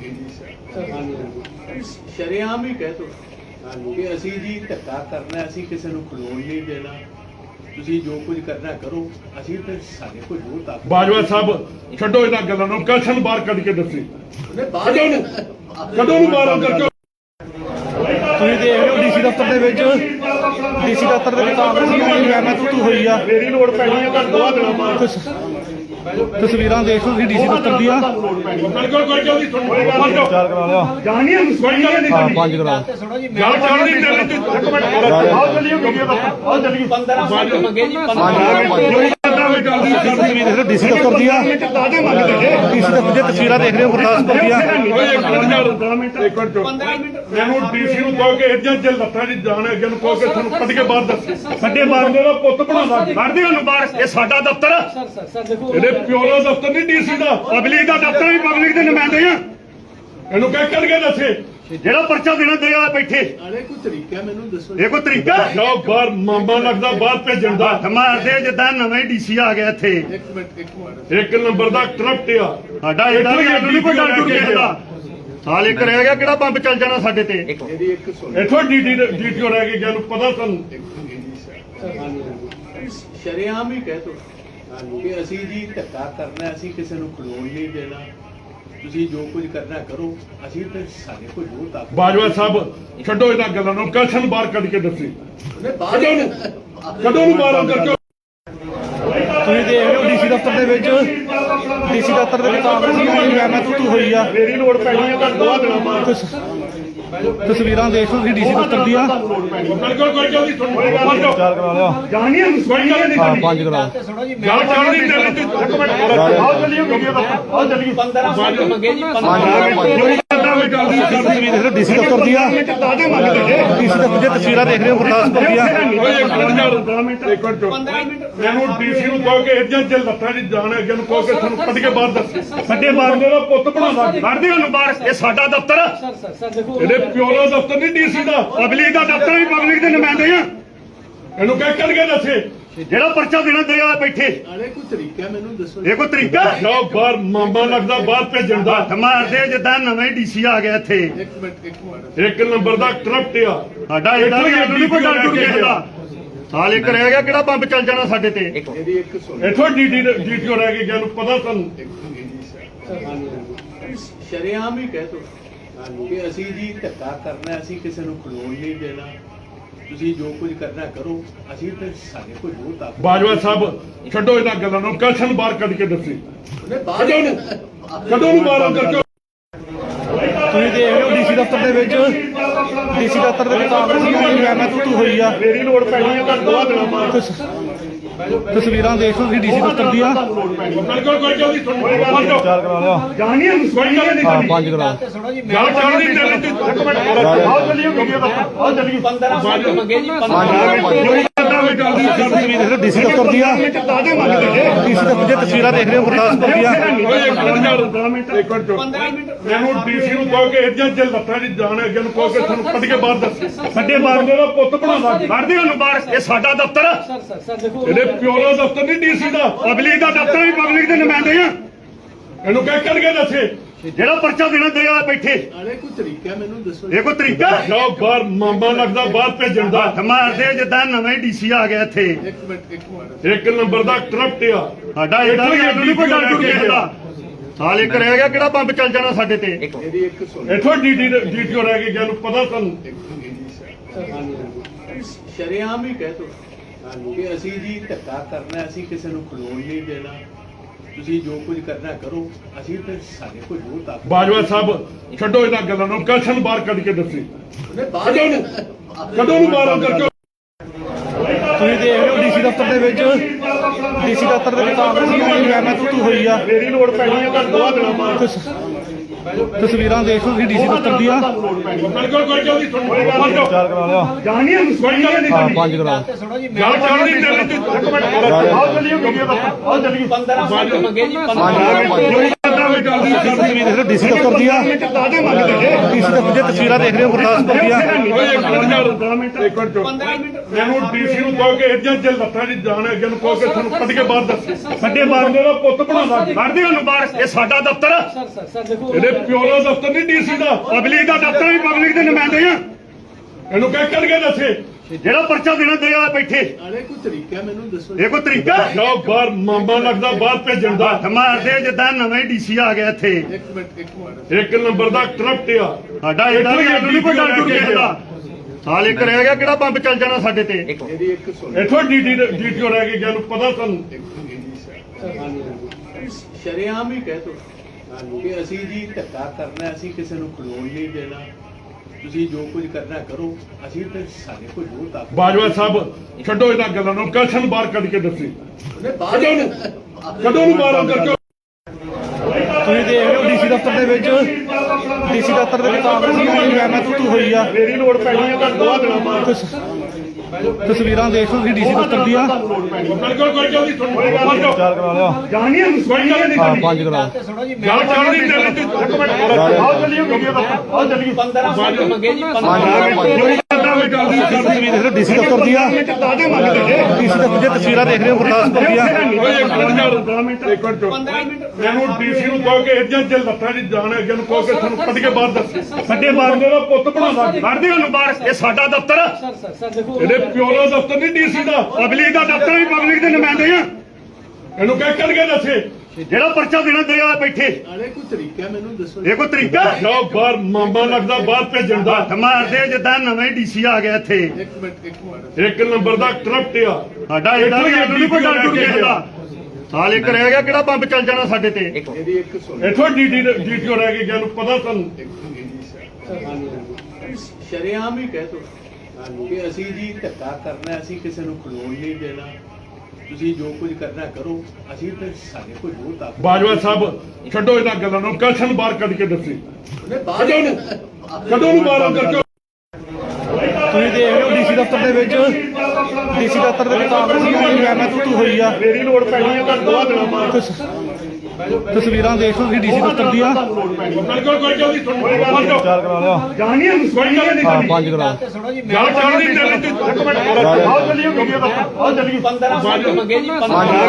Speaker 4: ਸ਼ਰੇਆਮ ਹੀ ਕਹਿ ਤੋ ਕਿ ਅਸੀਂ ਜੀ ਧੱਕਾ ਕਰਨਾ, ਅਸੀਂ ਕਿਸੇ ਨੂੰ ਖਲੋਣ ਨਹੀਂ ਦੇਣਾ। ਤੁਸੀਂ ਜੋ ਕੁਝ ਕਰਨਾ ਕਰੋ, ਅਸੀਂ ਤੇ ਸਾਡੇ ਕੋਲ ਜੋ ਤਾਕਤ।
Speaker 1: ਬਾਜਵਾ ਸਾਹਿਬ ਛੱਡੋ ਇਹਨਾਂ ਗੱਲਾਂ ਨੂੰ, ਕਸ਼ਨ ਬਾਹਰ ਕੱਢ ਕੇ ਦੱਸੀ ਕਦੋਂ ਨੂੰ ਕਦੋਂ ਨੂੰ ਬਾਹਰ ਅੰਦਰ ਕਿਉਂ
Speaker 2: ਤੁਸੀਂ ਦੇਖ ਰਹੇ ਹੋ ਡੀਸੀ ਦਫ਼ਤਰ ਦੇ ਵਿੱਚ ਡੀਸੀ ਦਫ਼ਤਰ ਦੇ ਵਿੱਚ ਕਾਂਗਰਸੀ ਮੈਂ ਮੈਂ ਤੂੰ ਹੋਈ ਆ
Speaker 1: ਮੇਰੀ ਲੋੜ ਪੈਣੀ ਹੈ ਤਾਂ ਦੋ ਦਿਨਾਂ ਬਾਅਦ
Speaker 2: ਤਸਵੀਰਾਂ ਦੇਖ ਲਓ ਤੁਸੀਂ ਡੀਸੀ ਦਫ਼ਤਰ ਦੀਆਂ
Speaker 1: ਬਿਲਕੁਲ ਕੋਈ ਜਲਦੀ ਸੁਣੋ
Speaker 2: ਚਾਰ ਕਰਾ ਲਿਆ
Speaker 1: ਜਾਣੀ ਹੈ ਕੋਈ ਗੱਲ ਨਹੀਂ
Speaker 2: ਹਾਂ ਪੰਜ ਕਰਾ
Speaker 1: ਗੱਲ ਚੱਲਦੀ ਚੱਲਦੀ ਇੱਕ ਮਿੰਟ ਆਓ ਚੱਲੀਏ ਵੀਡੀਓ ਦਾ ਆਓ ਚੱਲੀਏ
Speaker 3: ਪੰਦਰਾਂ ਮਿੰਟ ਮੰਗੇ ਜੀ ਪੰਦਰਾਂ
Speaker 2: ਤਸਵੀਰ
Speaker 1: ਗੱਲ ਦੀ
Speaker 2: ਤਸਵੀਰ ਦੇਖ ਰਹੇ ਹੋ ਡੀਸੀ ਦਫ਼ਤਰ ਦੀਆਂ
Speaker 1: ਦਾਦੇ ਮੰਗਦੇ
Speaker 2: ਡੀਸੀ ਦਫ਼ਤਰ ਦੀਆਂ ਤਸਵੀਰਾਂ ਦੇਖ ਰਹੇ ਹੋ ਗੁਰਦਾਸਪੁਰ ਦੀਆਂ
Speaker 1: ਇੱਕ ਮਿੰਟ ਮੈਨੂੰ ਡੀਸੀ ਨੂੰ ਕਹੋ ਕਿ ਇੱਦਾਂ ਜੇ ਲੱਤਾਂ 'ਚ ਜਾਣ ਅੱਗੇ ਨੂੰ ਕਹੋ ਕਿ ਤੁਹਾਨੂੰ ਕੱਢ ਕੇ ਬਾਹਰ ਦੱਸ ਸਾਡੇ ਬਾਹਰ ਦਾ ਪੁੱਤ ਬਣਾਉਂਦਾ ਕੱਢਦੇ ਉਹਨੂੰ ਬਾਹਰ ਇਹ ਸਾਡਾ ਦਫ਼ਤਰ
Speaker 3: ਸਰ ਸਰ ਸਰ ਦੇਖੋ
Speaker 1: ਇਹਦੇ ਪਿਓ ਦਾ ਦਫ਼ਤਰ ਨਹੀਂ ਡੀਸੀ ਦਾ ਪਬਲਿਕ ਦਾ ਦਫ਼ਤਰ ਵੀ ਪਬਲਿਕ ਦੇ ਨੁਮਾਇੰਦੇ ਆ ਇਹਨੂੰ ਕਹਿ ਕੱਢ ਕੇ ਦੱਸੇ ਜਿਹੜਾ ਪਰਚਾ ਦੇਣਾ ਦੇਗਾ ਬੈਠੇ
Speaker 4: ਅਰੇ ਕੋਈ ਤਰੀਕਾ ਮੈਨੂੰ ਦੱਸੋ
Speaker 1: ਇਹ ਕੋਈ ਤਰੀਕਾ ਜਾਓ ਬਾਹਰ ਮਾਮਾ ਲੱਗਦਾ ਬਾਹਰ ਭੇਜਣ ਦਾ ਮਾਰਦੇ ਜਿੱਦਾਂ ਨਵੇਂ ਡੀਸੀ ਆ ਗਿਆ ਇੱਥੇ
Speaker 4: ਇੱਕ ਮਿੰਟ ਇੱਕ ਮਿੰਟ
Speaker 1: ਇੱਕ ਨੰਬਰ ਦਾ ਕਰਪਟ ਆ ਸਾਡਾ ਇਹਦਾ ਵੀ ਸਾਨੂੰ ਨਹੀਂ ਕੋਈ ਡਰ ਡੁਰ ਕਿਸੇ ਦਾ ਹਾਲ ਇੱਕ ਰਹਿ ਗਿਆ ਕਿਹੜਾ ਬੰਬ ਚੱਲ ਜਾਣਾ ਸਾਡੇ ਤੇ
Speaker 4: ਇਹਦੀ ਇੱਕ ਸੁਣ
Speaker 1: ਇੱਥੋਂ ਡੀਟੀ ਡੀਟੀਓ ਰਹਿ ਗਈ ਜਾਨੂੰ ਪਤਾ ਤੁਹਾਨੂੰ
Speaker 4: ਸ਼ਰੇਆਮ ਹੀ ਕਹਿ ਤੋ ਕਿ ਅਸੀਂ ਜੀ ਧੱਕਾ ਕਰਨਾ ਅਸੀਂ ਕਿਸੇ ਨੂੰ ਖਲੋਣ ਨਹੀਂ ਦੇਣਾ ਤੁਸੀਂ ਜੋ ਕੁਝ ਕਰਨਾ ਕਰੋ ਅਸੀਂ ਤੇ ਸਾਡੇ ਕੋਲ ਜੋ ਤਾਕਤ
Speaker 1: ਬਾਜਵਾ ਸਾਹਿਬ ਛੱਡੋ ਇਹਨਾਂ ਗੱਲਾਂ ਨੂੰ ਕਸ਼ਨ ਬਾਹਰ ਕੱਢ ਕੇ ਦੱਸੀ
Speaker 4: ਉਹਨੇ ਬਾਹਰ
Speaker 1: ਕਦੋਂ ਨੂੰ ਕਦੋਂ ਨੂੰ ਬਾਹਰ ਅੰਦਰ ਕਿਉਂ
Speaker 2: ਤੁਸੀਂ ਦੇਖ ਰਹੇ ਹੋ ਡੀਸੀ ਦਫ਼ਤਰ ਦੇ ਵਿੱਚ ਡੀਸੀ ਦਫ਼ਤਰ ਦੇ ਵਿੱਚ ਕਾਂਗਰਸ ਦੀ ਮੈਂ ਤੂੰ ਤੂੰ ਹੋਈ ਆ
Speaker 1: ਮੇਰੀ ਲੋੜ ਪੈਣੀ ਹੈ ਤਾਂ ਦੋ ਦਿਨਾਂ ਬਾਅਦ
Speaker 2: ਤਸਵੀਰਾਂ ਦੇਖ ਲਓ ਤੁਸੀਂ ਡੀਸੀ ਦਫ਼ਤਰ ਦੀਆਂ
Speaker 1: ਬਿਲਕੁਲ ਕੋਈ ਜਲਦੀ ਤੁਹਾਨੂੰ
Speaker 2: ਚਾਰ ਕਰਾ ਲਿਆ
Speaker 1: ਜਾਣੀ ਹੈ ਕੋਈ ਗੱਲ ਨਹੀਂ
Speaker 2: ਹਾਂ ਪੰਜ ਕਰਾ
Speaker 1: ਗੱਲ ਚੱਲਦੀ ਚੱਲਦੀ ਇੱਕ ਮਿੰਟ ਆਓ ਚੱਲੀਏ ਵੀਡੀਓ ਦਾ ਆਓ ਚੱਲੀਏ
Speaker 3: ਪੰਦਰਾਂ ਮਿੰਟ ਮੰਗੇ ਜੀ
Speaker 2: ਤਸਵੀਰ ਦੇਖ ਰਹੇ ਹੋ ਡੀਸੀ ਦਫ਼ਤਰ ਦੀਆਂ
Speaker 1: ਦਾਦੇ ਮੰਗਦੇ
Speaker 2: ਡੀਸੀ ਦਫ਼ਤਰ ਦੀਆਂ ਤਸਵੀਰਾਂ ਦੇਖ ਰਹੇ ਹੋ ਗੁਰਦਾਸਪੁਰ ਦੀਆਂ
Speaker 1: ਮੈਨੂੰ ਡੀਸੀ ਨੂੰ ਕਹੋ ਕਿ ਇੱਦਾਂ ਜੇ ਲੱਤਾਂ 'ਚ ਜਾਣ ਅੱਗੇ ਨੂੰ ਕਹੋ ਕਿ ਤੁਹਾਨੂੰ ਕੱਢ ਕੇ ਬਾਹਰ ਦੱਸ ਸਾਡੇ ਬਾਹਰ ਦਾ ਪੁੱਤ ਬਣਾਉਂਦਾ ਕੱਢਦੇ ਉਹਨੂੰ ਬਾਹਰ ਇਹ ਸਾਡਾ ਦਫ਼ਤਰ
Speaker 3: ਸਰ ਸਰ ਸਰ ਦੇਖੋ
Speaker 1: ਇਹਦੇ ਪਿਓ ਦਾ ਦਫ਼ਤਰ ਨਹੀਂ ਡੀਸੀ ਦਾ ਪਬਲਿਕ ਦਾ ਦਫ਼ਤਰ ਵੀ ਪਬਲਿਕ ਦੇ ਨੁਮਾਇੰਦੇ ਆ ਇਹਨੂੰ ਕਹਿ ਕੱਢ ਕੇ ਦੱਸੇ ਜਿਹੜਾ ਪਰਚਾ ਦੇਣਾ ਦੇਗਾ ਬੈਠੇ
Speaker 4: ਅਰੇ ਕੋਈ ਤਰੀਕਾ ਮੈਨੂੰ ਦੱਸੋ
Speaker 1: ਇਹ ਕੋਈ ਤਰੀਕਾ ਜਾਓ ਬਾਹਰ ਮਾਮਾ ਲੱਗਦਾ ਬਾਹਰ ਭੇਜਣ ਦਾ ਮਾਰਦੇ ਜਿੱਦਾਂ ਨਵੇਂ ਡੀਸੀ ਆ ਗਿਆ ਇੱਥੇ
Speaker 4: ਇੱਕ ਮਿੰਟ ਇੱਕ ਮਿੰਟ
Speaker 1: ਇੱਕ ਨੰਬਰ ਦਾ ਕਰਪਟ ਆ ਸਾਡਾ ਇਹਦਾ ਵੀ ਸਾਨੂੰ ਨਹੀਂ ਕੋਈ ਡਰ ਡੁਰ ਕਿਸੇ ਦਾ ਹਾਲ ਇੱਕ ਰਹਿ ਗਿਆ ਕਿਹੜਾ ਬੰਬ ਚੱਲ ਜਾਣਾ ਸਾਡੇ ਤੇ
Speaker 4: ਇਹਦੀ ਇੱਕ ਸੁਣ
Speaker 1: ਇੱਥੋਂ ਡੀਟੀ ਡੀਟੀਓ ਰਹਿ ਗਈ ਜਾਨੂੰ ਪਤਾ ਤੁਹਾਨੂੰ
Speaker 4: ਸ਼ਰੇਆਮ ਹੀ ਕਹਿ ਤੋ ਕਿ ਅਸੀਂ ਜੀ ਧੱਕਾ ਕਰਨਾ ਅਸੀਂ ਕਿਸੇ ਨੂੰ ਖਲੋਣ ਨਹੀਂ ਦੇਣਾ ਤੁਸੀਂ ਜੋ ਕੁਝ ਕਰਨਾ ਕਰੋ ਅਸੀਂ ਤੇ ਸਾਡੇ ਕੋਲ ਜੋ ਤਾਕਤ
Speaker 1: ਬਾਜਵਾ ਸਾਹਿਬ ਛੱਡੋ ਇਹਨਾਂ ਗੱਲਾਂ ਨੂੰ ਕਸ਼ਨ ਬਾਹਰ ਕੱਢ ਕੇ ਦੱਸੀ
Speaker 4: ਉਹਨੇ ਬਾਹਰ
Speaker 1: ਕਦੋਂ ਨੂੰ ਕਦੋਂ ਨੂੰ ਬਾਹਰ ਅੰਦਰ ਕਿਉਂ
Speaker 2: ਤੁਸੀਂ ਦੇਖ ਰਹੇ ਹੋ ਡੀਸੀ ਦਫ਼ਤਰ ਦੇ ਵਿੱਚ ਡੀਸੀ ਦਫ਼ਤਰ ਦੇ ਵਿੱਚ ਕਾਂਗਰਸ ਦੀ ਮੈਂ ਤੂੰ ਤੂੰ ਹੋਈ ਆ
Speaker 1: ਮੇਰੀ ਲੋੜ ਪੈਣੀ ਹੈ ਤਾਂ ਦੋ ਦਿਨਾਂ ਬਾਅਦ
Speaker 2: ਤਸਵੀਰਾਂ ਦੇਖ ਲਓ ਤੁਸੀਂ ਡੀਸੀ ਦਫ਼ਤਰ ਦੀਆਂ
Speaker 1: ਬਿਲਕੁਲ ਕੋਈ ਜਲਦੀ ਤੁਹਾਨੂੰ
Speaker 2: ਚਾਰ ਕਰਾ ਲਿਆ
Speaker 1: ਜਾਣੀ ਹੈ ਕੋਈ ਗੱਲ ਨਹੀਂ
Speaker 2: ਹਾਂ ਪੰਜ ਕਰਾ
Speaker 1: ਗੱਲ ਚੱਲਦੀ ਚੱਲਦੀ ਇੱਕ ਮਿੰਟ ਆਓ ਚੱਲੀਏ ਵੀਡੀਓ ਦਾ ਆਓ ਚੱਲੀਏ
Speaker 3: ਪੰਦਰਾਂ ਮਿੰਟ ਮੰਗੇ ਜੀ
Speaker 2: ਤਸਵੀਰ ਦੇਖ ਰਹੇ ਹੋ ਡੀਸੀ ਦਫ਼ਤਰ ਦੀਆਂ
Speaker 1: ਦਾਦੇ ਮੰਗਦੇ
Speaker 2: ਡੀਸੀ ਦਫ਼ਤਰ ਦੀਆਂ ਤਸਵੀਰਾਂ ਦੇਖ ਰਹੇ ਹੋ ਗੁਰਦਾਸਪੁਰ ਦੀਆਂ
Speaker 1: ਮੈਨੂੰ ਡੀਸੀ ਨੂੰ ਕਹੋ ਕਿ ਇੱਦਾਂ ਜੇ ਲੱਤਾਂ 'ਚ ਜਾਣ ਅੱਗੇ ਨੂੰ ਕਹੋ ਕਿ ਤੁਹਾਨੂੰ ਕੱਢ ਕੇ ਬਾਹਰ ਦੱਸ ਸਾਡੇ ਬਾਹਰ ਦਾ ਪੁੱਤ ਬਣਾਉਂਦਾ ਕੱਢਦੇ ਉਹਨੂੰ ਬਾਹਰ ਇਹ ਸਾਡਾ ਦਫ਼ਤਰ
Speaker 3: ਸਰ ਸਰ ਸਰ ਦੇਖੋ
Speaker 1: ਇਹਦੇ ਪਿਓ ਦਾ ਦਫ਼ਤਰ ਨਹੀਂ ਡੀਸੀ ਦਾ ਪਬਲਿਕ ਦਾ ਦਫ਼ਤਰ ਵੀ ਪਬਲਿਕ ਦੇ ਨੁਮਾਇੰਦੇ ਆ ਇਹਨੂੰ ਕਹਿ ਕੱਢ ਕੇ ਦੱਸੇ ਜਿਹੜਾ ਪਰਚਾ ਦੇਣਾ ਦੇਗਾ ਬੈਠੇ
Speaker 4: ਅਰੇ ਕੋਈ ਤਰੀਕਾ ਮੈਨੂੰ ਦੱਸੋ
Speaker 1: ਇਹ ਕੋਈ ਤਰੀਕਾ ਜਾਓ ਬਾਹਰ ਮਾਮਾ ਲੱਗਦਾ ਬਾਹਰ ਭੇਜਣ ਦਾ ਮਾਰਦੇ ਜਿੱਦਾਂ ਨਵੇਂ ਡੀਸੀ ਆ ਗਿਆ ਇੱਥੇ
Speaker 4: ਇੱਕ ਮਿੰਟ ਇੱਕ ਮਿੰਟ
Speaker 1: ਇੱਕ ਨੰਬਰ ਦਾ ਕਰਪਟ ਆ ਸਾਡਾ ਇਹਦਾ ਵੀ ਸਾਨੂੰ ਨਹੀਂ ਕੋਈ ਡਰ ਡੁਰ ਕਿਸੇ ਦਾ ਹਾਲ ਇੱਕ ਰਹਿ ਗਿਆ ਕਿਹੜਾ ਬੰਬ ਚੱਲ ਜਾਣਾ ਸਾਡੇ ਤੇ
Speaker 4: ਇਹਦੀ ਇੱਕ ਸੁਣ
Speaker 1: ਇੱਥੋਂ ਡੀਟੀ ਡੀਟੀਓ ਰਹਿ ਗਈ ਜਾਨੂੰ ਪਤਾ ਤੁਹਾਨੂੰ
Speaker 4: ਸ਼ਰੇਆਮ ਹੀ ਕਹਿ ਤੋ ਕਿ ਅਸੀਂ ਜੀ ਧੱਕਾ ਕਰਨਾ ਅਸੀਂ ਕਿਸੇ ਨੂੰ ਖਲੋਣ ਨਹੀਂ ਦੇਣਾ ਤੁਸੀਂ ਜੋ ਕੁਝ ਕਰਨਾ ਕਰੋ ਅਸੀਂ ਤੇ ਸਾਡੇ ਕੋਲ ਜੋ ਤਾਕਤ
Speaker 1: ਬਾਜਵਾ ਸਾਹਿਬ ਛੱਡੋ ਇਹਨਾਂ ਗੱਲਾਂ ਨੂੰ ਕਸ਼ਨ ਬਾਹਰ ਕੱਢ ਕੇ ਦੱਸੀ
Speaker 4: ਉਹਨੇ ਬਾਹਰ
Speaker 1: ਕਦੋਂ ਨੂੰ ਕਦੋਂ ਨੂੰ ਬਾਹਰ ਅੰਦਰ ਕਿਉਂ
Speaker 2: ਤੁਸੀਂ ਦੇਖ ਰਹੇ ਹੋ ਡੀਸੀ ਦਫ਼ਤਰ ਦੇ ਵਿੱਚ ਡੀਸੀ ਦਫ਼ਤਰ ਦੇ ਵਿੱਚ ਕਾਂਗਰਸ ਦੀ ਮੈਂ ਤੂੰ ਤੂੰ ਹੋਈ ਆ
Speaker 1: ਮੇਰੀ ਲੋੜ ਪੈਣੀ ਹੈ ਤਾਂ ਦੋ ਦਿਨਾਂ ਬਾਅਦ
Speaker 2: ਤਸਵੀਰਾਂ ਦੇਖ ਲਓ ਤੁਸੀਂ ਡੀਸੀ ਦਫ਼ਤਰ ਦੀਆਂ
Speaker 1: ਬਿਲਕੁਲ ਕੋਈ ਜਲਦੀ ਤੁਹਾਨੂੰ
Speaker 2: ਚਾਰ ਕਰਾ ਲਿਆ
Speaker 1: ਜਾਣੀ ਹੈ ਕੋਈ ਗੱਲ ਨਹੀਂ
Speaker 2: ਹਾਂ ਪੰਜ ਕਰਾ
Speaker 1: ਗੱਲ ਚੱਲਦੀ ਚੱਲਦੀ ਇੱਕ ਮਿੰਟ ਆਓ ਚੱਲੀਏ ਵੀਡੀਓ ਦਾ ਆਓ ਚੱਲੀਏ
Speaker 3: ਪੰਦਰਾਂ ਮਿੰਟ ਮੰਗੇ ਜੀ
Speaker 2: ਤਸਵੀਰ ਦੇਖ ਰਹੇ ਹੋ ਡੀਸੀ ਦਫ਼ਤਰ ਦੀਆਂ
Speaker 1: ਦਾਦੇ ਮੰਗਦੇ
Speaker 2: ਡੀਸੀ ਦਫ਼ਤਰ ਦੀਆਂ ਤਸਵੀਰਾਂ ਦੇਖ ਰਹੇ ਹੋ ਗੁਰਦਾਸਪੁਰ ਦੀਆਂ
Speaker 1: ਮੈਨੂੰ ਡੀਸੀ ਨੂੰ ਕਹੋ ਕਿ ਇੱਦਾਂ ਜੇ ਲੱਤਾਂ 'ਚ ਜਾਣ ਅੱਗੇ ਨੂੰ ਕਹੋ ਕਿ ਤੁਹਾਨੂੰ ਕੱਢ ਕੇ ਬਾਹਰ ਦੱਸ ਸਾਡੇ ਬਾਹਰ ਦਾ ਪੁੱਤ ਬਣਾਉਂਦਾ ਕੱਢਦੇ ਉਹਨੂੰ ਬਾਹਰ ਇਹ ਸਾਡਾ ਦਫ਼ਤਰ
Speaker 3: ਸਰ ਸਰ ਸਰ ਦੇਖੋ
Speaker 1: ਇਹਦੇ ਪਿਓ ਦਾ ਦਫ਼ਤਰ ਨਹੀਂ ਡੀਸੀ ਦਾ ਪਬਲਿਕ ਦਾ ਦਫ਼ਤਰ ਵੀ ਪਬਲਿਕ ਦੇ ਨੁਮਾਇੰਦੇ ਆ ਇਹਨੂੰ ਕਹਿ ਕੱਢ ਕੇ ਦੱਸੇ ਜਿਹੜਾ ਪਰਚਾ ਦੇਣਾ ਦੇਗਾ ਬੈਠੇ
Speaker 4: ਅਰੇ ਕੋਈ ਤਰੀਕਾ ਮੈਨੂੰ ਦੱਸੋ
Speaker 1: ਇਹ ਕੋਈ ਤਰੀਕਾ ਜਾਓ ਬਾਹਰ ਮਾਮਾ ਲੱਗਦਾ ਬਾਹਰ ਭੇਜਣ ਦਾ ਮਾਰਦੇ ਜਿੱਦਾਂ ਨਵੇਂ ਡੀਸੀ ਆ ਗਿਆ ਇੱਥੇ
Speaker 4: ਇੱਕ ਮਿੰਟ ਇੱਕ ਮਿੰਟ
Speaker 1: ਇੱਕ ਨੰਬਰ ਦਾ ਕਰਪਟ ਆ ਸਾਡਾ ਇਹਦਾ ਵੀ ਸਾਨੂੰ ਨਹੀਂ ਕੋਈ ਡਰ ਡੁਰ ਕਿਸੇ ਦਾ ਹਾਲ ਇੱਕ ਰਹਿ ਗਿਆ ਕਿਹੜਾ ਬੰਬ ਚੱਲ ਜਾਣਾ ਸਾਡੇ ਤੇ
Speaker 4: ਇਹਦੀ ਇੱਕ ਸੁਣ
Speaker 1: ਇੱਥੋਂ ਡੀਟੀ ਡੀਟੀਓ ਰਹਿ ਗਈ ਜਾਨੂੰ ਪਤਾ ਤੁਹਾਨੂੰ
Speaker 4: ਸ਼ਰੇਆਮ ਹੀ ਕਹਿ ਤੋ ਕਿ ਅਸੀਂ ਜੀ ਧੱਕਾ ਕਰਨਾ ਅਸੀਂ ਕਿਸੇ ਨੂੰ ਖਲੋਣ ਨਹੀਂ ਦੇਣਾ ਤੁਸੀਂ ਜੋ ਕੁਝ ਕਰਨਾ ਕਰੋ, ਅਸੀਂ ਤੇ ਸਾਡੇ ਕੋਲ ਜੋ ਤਾਕਤ
Speaker 1: ਬਾਜਵਾ ਸਾਹਿਬ ਛੱਡੋ ਇਹਨਾਂ ਗੱਲਾਂ ਨੂੰ, ਕਲਸ਼ਨ ਬਾਹਰ ਕੱਢ ਕੇ ਦੱਸੀ
Speaker 4: ਉਹਨੇ ਬਾਹਰ
Speaker 1: ਕਦੋਂ ਨੂੰ ਕਦੋਂ ਨੂੰ ਬਾਹਰ ਅੰਦਰ ਕਿਉਂ
Speaker 2: ਤੁਸੀਂ ਦੇਖ ਰਹੇ ਹੋ ਡੀਸੀ ਦਫ਼ਤਰ ਦੇ ਵਿੱਚ ਡੀਸੀ ਦਫ਼ਤਰ ਦੇ ਵਿੱਚ ਕਾਂਗਰਸ ਦੀ ਮੈਂ ਮੈਂ ਤੂੰ ਹੋਈ ਆ
Speaker 1: ਮੇਰੀ ਲੋੜ ਪੈਣੀ ਹੈ ਤਾਂ ਦੋ ਦਿਨਾਂ ਬਾਅਦ
Speaker 2: ਤਸ- ਤਸਵੀਰਾਂ ਦੇਖ ਲਓ ਤੁਸੀਂ ਡੀਸੀ ਦਫ਼ਤਰ ਦੀਆਂ
Speaker 1: ਬਿਲਕੁਲ ਕੋਈ ਜਲਦੀ ਤੁਹਾਨੂੰ
Speaker 2: ਚਾਰ ਕਰਾ ਲਿਆ
Speaker 1: ਜਾਣੀ ਹੈ ਕੋਈ ਗੱਲ ਨਹੀਂ
Speaker 2: ਹਾਂ ਪੰਜ ਕਰਾ
Speaker 1: ਗੱਲ ਚੱਲ ਰਹੀ ਚੱਲ ਰਹੀ ਇੱਕ ਮਿੰਟ ਆਓ ਚੱਲੀਏ ਵੀਡੀਓ ਦਾ ਆਓ ਚੱਲੀਏ
Speaker 3: ਪੰਦਰਾਂ ਮਿੰਟ ਮੰਗੇ ਜੀ
Speaker 2: ਤਸਵੀਰ ਦੇਖ ਲਓ ਡੀਸੀ ਦਫ਼ਤਰ ਦੀਆਂ
Speaker 1: ਦਾਦੇ ਮੰਗਦੇ ਜੇ
Speaker 2: ਡੀਸੀ ਦਫ਼ਤਰ ਦੀਆਂ ਤਸਵੀਰਾਂ ਦੇਖ ਰਹੇ ਹੋ ਗੁਰਦਾਸਪੁਰ ਦੀਆਂ
Speaker 1: ਓਏ ਇੱਕ ਮਿੰਟ ਯਾਰ ਦੋ ਮਿੰਟ ਇੱਕ ਮਿੰਟ
Speaker 3: ਪੰਦਰਾਂ ਮਿੰਟ
Speaker 1: ਮੈਨੂੰ ਡੀਸੀ ਨੂੰ ਕਹੋ ਕਿ ਇੱਦਾਂ ਜੇ ਲੱਤਾਂ ਦੀ ਜਾਣ ਹੈ ਅੱਗੇ ਨੂੰ ਕਹੋ ਕਿ ਤੁਹਾਨੂੰ ਕੱਢ ਕੇ ਬਾਹਰ ਦੱਸ ਸਾਡੇ ਬਾਹਰ ਦਾ ਪੁੱਤ ਬਣਾਉਂਦਾ ਕੱਢਦੇ ਉਹਨੂੰ ਬਾਹਰ ਇਹ ਸਾਡਾ ਦਫ਼ਤਰ
Speaker 3: ਸਰ ਸਰ ਸਰ ਦੇਖੋ
Speaker 1: ਇਹਦੇ ਪਿਓ ਦਾ ਦਫ਼ਤਰ ਨਹੀਂ ਡੀਸੀ ਦਾ ਪਬਲਿਕ ਦਾ ਦਫ਼ਤਰ ਵੀ ਪਬਲਿਕ ਦੇ ਨੁਮਾਇੰਦੇ ਆ ਇਹਨੂੰ ਕਹਿ ਕੱਢ ਕੇ ਦੱਸੇ ਜਿਹੜਾ ਪਰਚਾ ਦੇਣਾ ਦੇ ਆ ਬੈਠੇ
Speaker 4: ਨਾਲੇ ਕੋਈ ਤਰੀਕਾ ਮੈਨੂੰ ਦੱਸੋ।
Speaker 1: ਇਹ ਕੋਈ ਤਰੀਕਾ ਜਾਓ ਬਾਹਰ ਮਾਮਾ ਲੱਗਦਾ ਬਾਹਰ ਭੇਜਣ ਦਾ ਹੱਥ ਮਾਰਦੇ ਜਿੱਦਾਂ ਨਵੇਂ ਡੀਸੀ ਆ ਗਿਆ ਇੱਥੇ
Speaker 4: ਇੱਕ ਮਿੰਟ ਇੱਕ ਮਿੰਟ
Speaker 1: ਇੱਕ ਨੰਬਰ ਦਾ ਕਰਪਟ ਆ ਸਾਡਾ ਇਹਦਾ ਵੀ ਇਹਨੂੰ ਨਹੀਂ ਕੋਈ ਡਰ ਡੁਰ ਕਿਸੇ ਦਾ ਸਾਲ ਇੱਕ ਰਹਿ ਗਿਆ ਕਿਹੜਾ ਬੰਬ ਚੱਲ ਜਾਣਾ ਸਾਡੇ ਤੇ
Speaker 4: ਇਹਦੀ ਇੱਕ ਸੁਣ
Speaker 1: ਇੱਥੋਂ ਡੀਟੀ ਡੀਟੀਓ ਰਹਿ ਗਈ ਨੂੰ ਪਤਾ ਤੁਹਾਨੂੰ
Speaker 4: ਸ਼ਰੇਆਮ ਹੀ ਕਹਿ ਤੋ ਕਿ ਅਸੀਂ ਜੀ ਧੱਕਾ ਕਰਨਾ, ਅਸੀਂ ਕਿਸੇ ਨੂੰ ਖਲੋਣ ਨਹੀਂ ਦੇਣਾ। ਤੁਸੀਂ ਜੋ ਕੁਝ ਕਰਨਾ ਕਰੋ, ਅਸੀਂ ਤੇ ਸਾਡੇ ਕੋਲ ਜੋ ਤਾਕਤ
Speaker 1: ਬਾਜਵਾ ਸਾਹਿਬ ਛੱਡੋ ਇਹਨਾਂ ਗੱਲਾਂ ਨੂੰ, ਕਲਸ਼ਨ ਬਾਹਰ ਕੱਢ ਕੇ ਦੱਸੀ
Speaker 4: ਉਹਨੇ ਬਾਹਰ
Speaker 1: ਕਦੋਂ ਨੂੰ ਕਦੋਂ ਨੂੰ ਬਾਹਰ ਅੰਦਰ ਕਿਉਂ
Speaker 2: ਤੁਸੀਂ ਦੇਖ ਰਹੇ ਹੋ ਡੀਸੀ ਦਫ਼ਤਰ ਦੇ ਵਿੱਚ ਡੀਸੀ ਦਫ਼ਤਰ ਦੇ ਵਿੱਚ ਕਾਂਗਰਸ ਦੀ ਮੈਂ ਮੈਂ ਤੂੰ ਹੋਈ ਆ
Speaker 1: ਮੇਰੀ ਲੋੜ ਪੈਣੀ ਹੈ ਤਾਂ ਦੋ ਦਿਨਾਂ ਬਾਅਦ
Speaker 2: ਤਸ- ਤਸਵੀਰਾਂ ਦੇਖ ਲਓ ਤੁਸੀਂ ਡੀਸੀ ਦਫ਼ਤਰ ਦੀਆਂ
Speaker 1: ਬਿਲਕੁਲ ਕੋਈ ਜਲਦੀ ਤੁਹਾਨੂੰ
Speaker 2: ਚਾਰ ਕਰਾ ਲਿਆ
Speaker 1: ਜਾਣੀ ਹੈ ਕੋਈ ਗੱਲ ਨਹੀਂ
Speaker 2: ਹਾਂ ਪੰਜ ਕਰਾ
Speaker 1: ਗੱਲ ਚੱਲ ਰਹੀ ਚੱਲ ਰਹੀ ਇੱਕ ਮਿੰਟ ਆਓ ਚੱਲੀਏ ਵੀਡੀਓ ਦਾ ਆਓ ਚੱਲੀਏ
Speaker 3: ਪੰਦਰਾਂ ਮਿੰਟ ਮੰਗੇ ਜੀ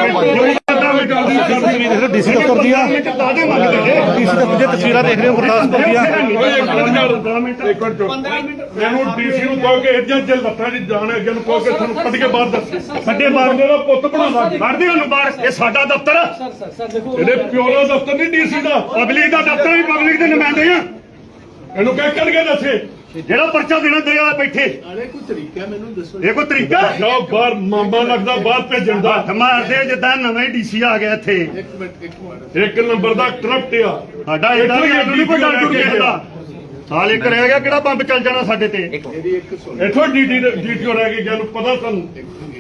Speaker 2: ਤਸਵੀਰ ਦੇਖ ਲਓ ਡੀਸੀ ਦਫ਼ਤਰ ਦੀਆਂ
Speaker 1: ਦਾਦੇ ਮੰਗਦੇ ਜੇ
Speaker 2: ਡੀਸੀ ਦਫ਼ਤਰ ਦੀਆਂ ਤਸਵੀਰਾਂ ਦੇਖ ਰਹੇ ਹੋ ਗੁਰਦਾਸਪੁਰ ਦੀਆਂ
Speaker 1: ਓਏ ਇੱਕ ਮਿੰਟ ਯਾਰ ਦੋ ਮਿੰਟ ਇੱਕ ਮਿੰਟ
Speaker 3: ਪੰਦਰਾਂ ਮਿੰਟ
Speaker 1: ਮੈਨੂੰ ਡੀਸੀ ਨੂੰ ਕਹੋ ਕਿ ਇੱਦਾਂ ਜੇ ਲੱਤਾਂ ਦੀ ਜਾਣ ਹੈ ਅੱਗੇ ਨੂੰ ਕਹੋ ਕਿ ਤੁਹਾਨੂੰ ਕੱਢ ਕੇ ਬਾਹਰ ਦੱਸ ਸਾਡੇ ਬਾਹਰ ਦਾ ਪੁੱਤ ਬਣਾਉਂਦਾ ਕੱਢਦੇ ਉਹਨੂੰ ਬਾਹਰ ਇਹ ਸਾਡਾ ਦਫ਼ਤਰ
Speaker 3: ਸਰ ਸਰ ਸਰ ਦੇਖੋ
Speaker 1: ਇਹਦੇ ਪਿਓ ਦਾ ਦਫ਼ਤਰ ਨਹੀਂ ਡੀਸੀ ਦਾ ਪਬਲਿਕ ਦਾ ਦਫ਼ਤਰ ਵੀ ਪਬਲਿਕ ਦੇ ਨੁਮਾਇੰਦੇ ਆ ਇਹਨੂੰ ਕਹਿ ਕੱਢ ਕੇ ਦੱਸੇ ਜਿਹੜਾ ਪਰਚਾ ਦੇਣਾ ਦੇ ਆ ਬੈਠੇ
Speaker 4: ਨਾਲੇ ਕੋਈ ਤਰੀਕਾ ਮੈਨੂੰ ਦੱਸੋ।
Speaker 1: ਇਹ ਕੋਈ ਤਰੀਕਾ ਜਾਓ ਬਾਹਰ ਮਾਮਾ ਲੱਗਦਾ ਬਾਹਰ ਭੇਜਣ ਦਾ ਹੱਥ ਮਾਰਦੇ ਜਿੱਦਾਂ ਨਵੇਂ ਡੀਸੀ ਆ ਗਿਆ ਇੱਥੇ
Speaker 4: ਇੱਕ ਮਿੰਟ ਇੱਕ ਮਿੰਟ
Speaker 1: ਇੱਕ ਨੰਬਰ ਦਾ ਕਰਪਟ ਆ ਸਾਡਾ ਇਹਦਾ ਵੀ ਇਹਨੂੰ ਨਹੀਂ ਕੋਈ ਡਰ ਡੁਰ ਕਿਸੇ ਦਾ ਸਾਲ ਇੱਕ ਰਹਿ ਗਿਆ ਕਿਹੜਾ ਬੰਬ ਚੱਲ ਜਾਣਾ ਸਾਡੇ ਤੇ
Speaker 4: ਇਹਦੀ ਇੱਕ ਸੁਣ
Speaker 1: ਇੱਥੋਂ ਡੀਟੀ ਡੀਟੀਓ ਰਹਿ ਗਈ ਨੂੰ ਪਤਾ ਤੁਹਾਨੂੰ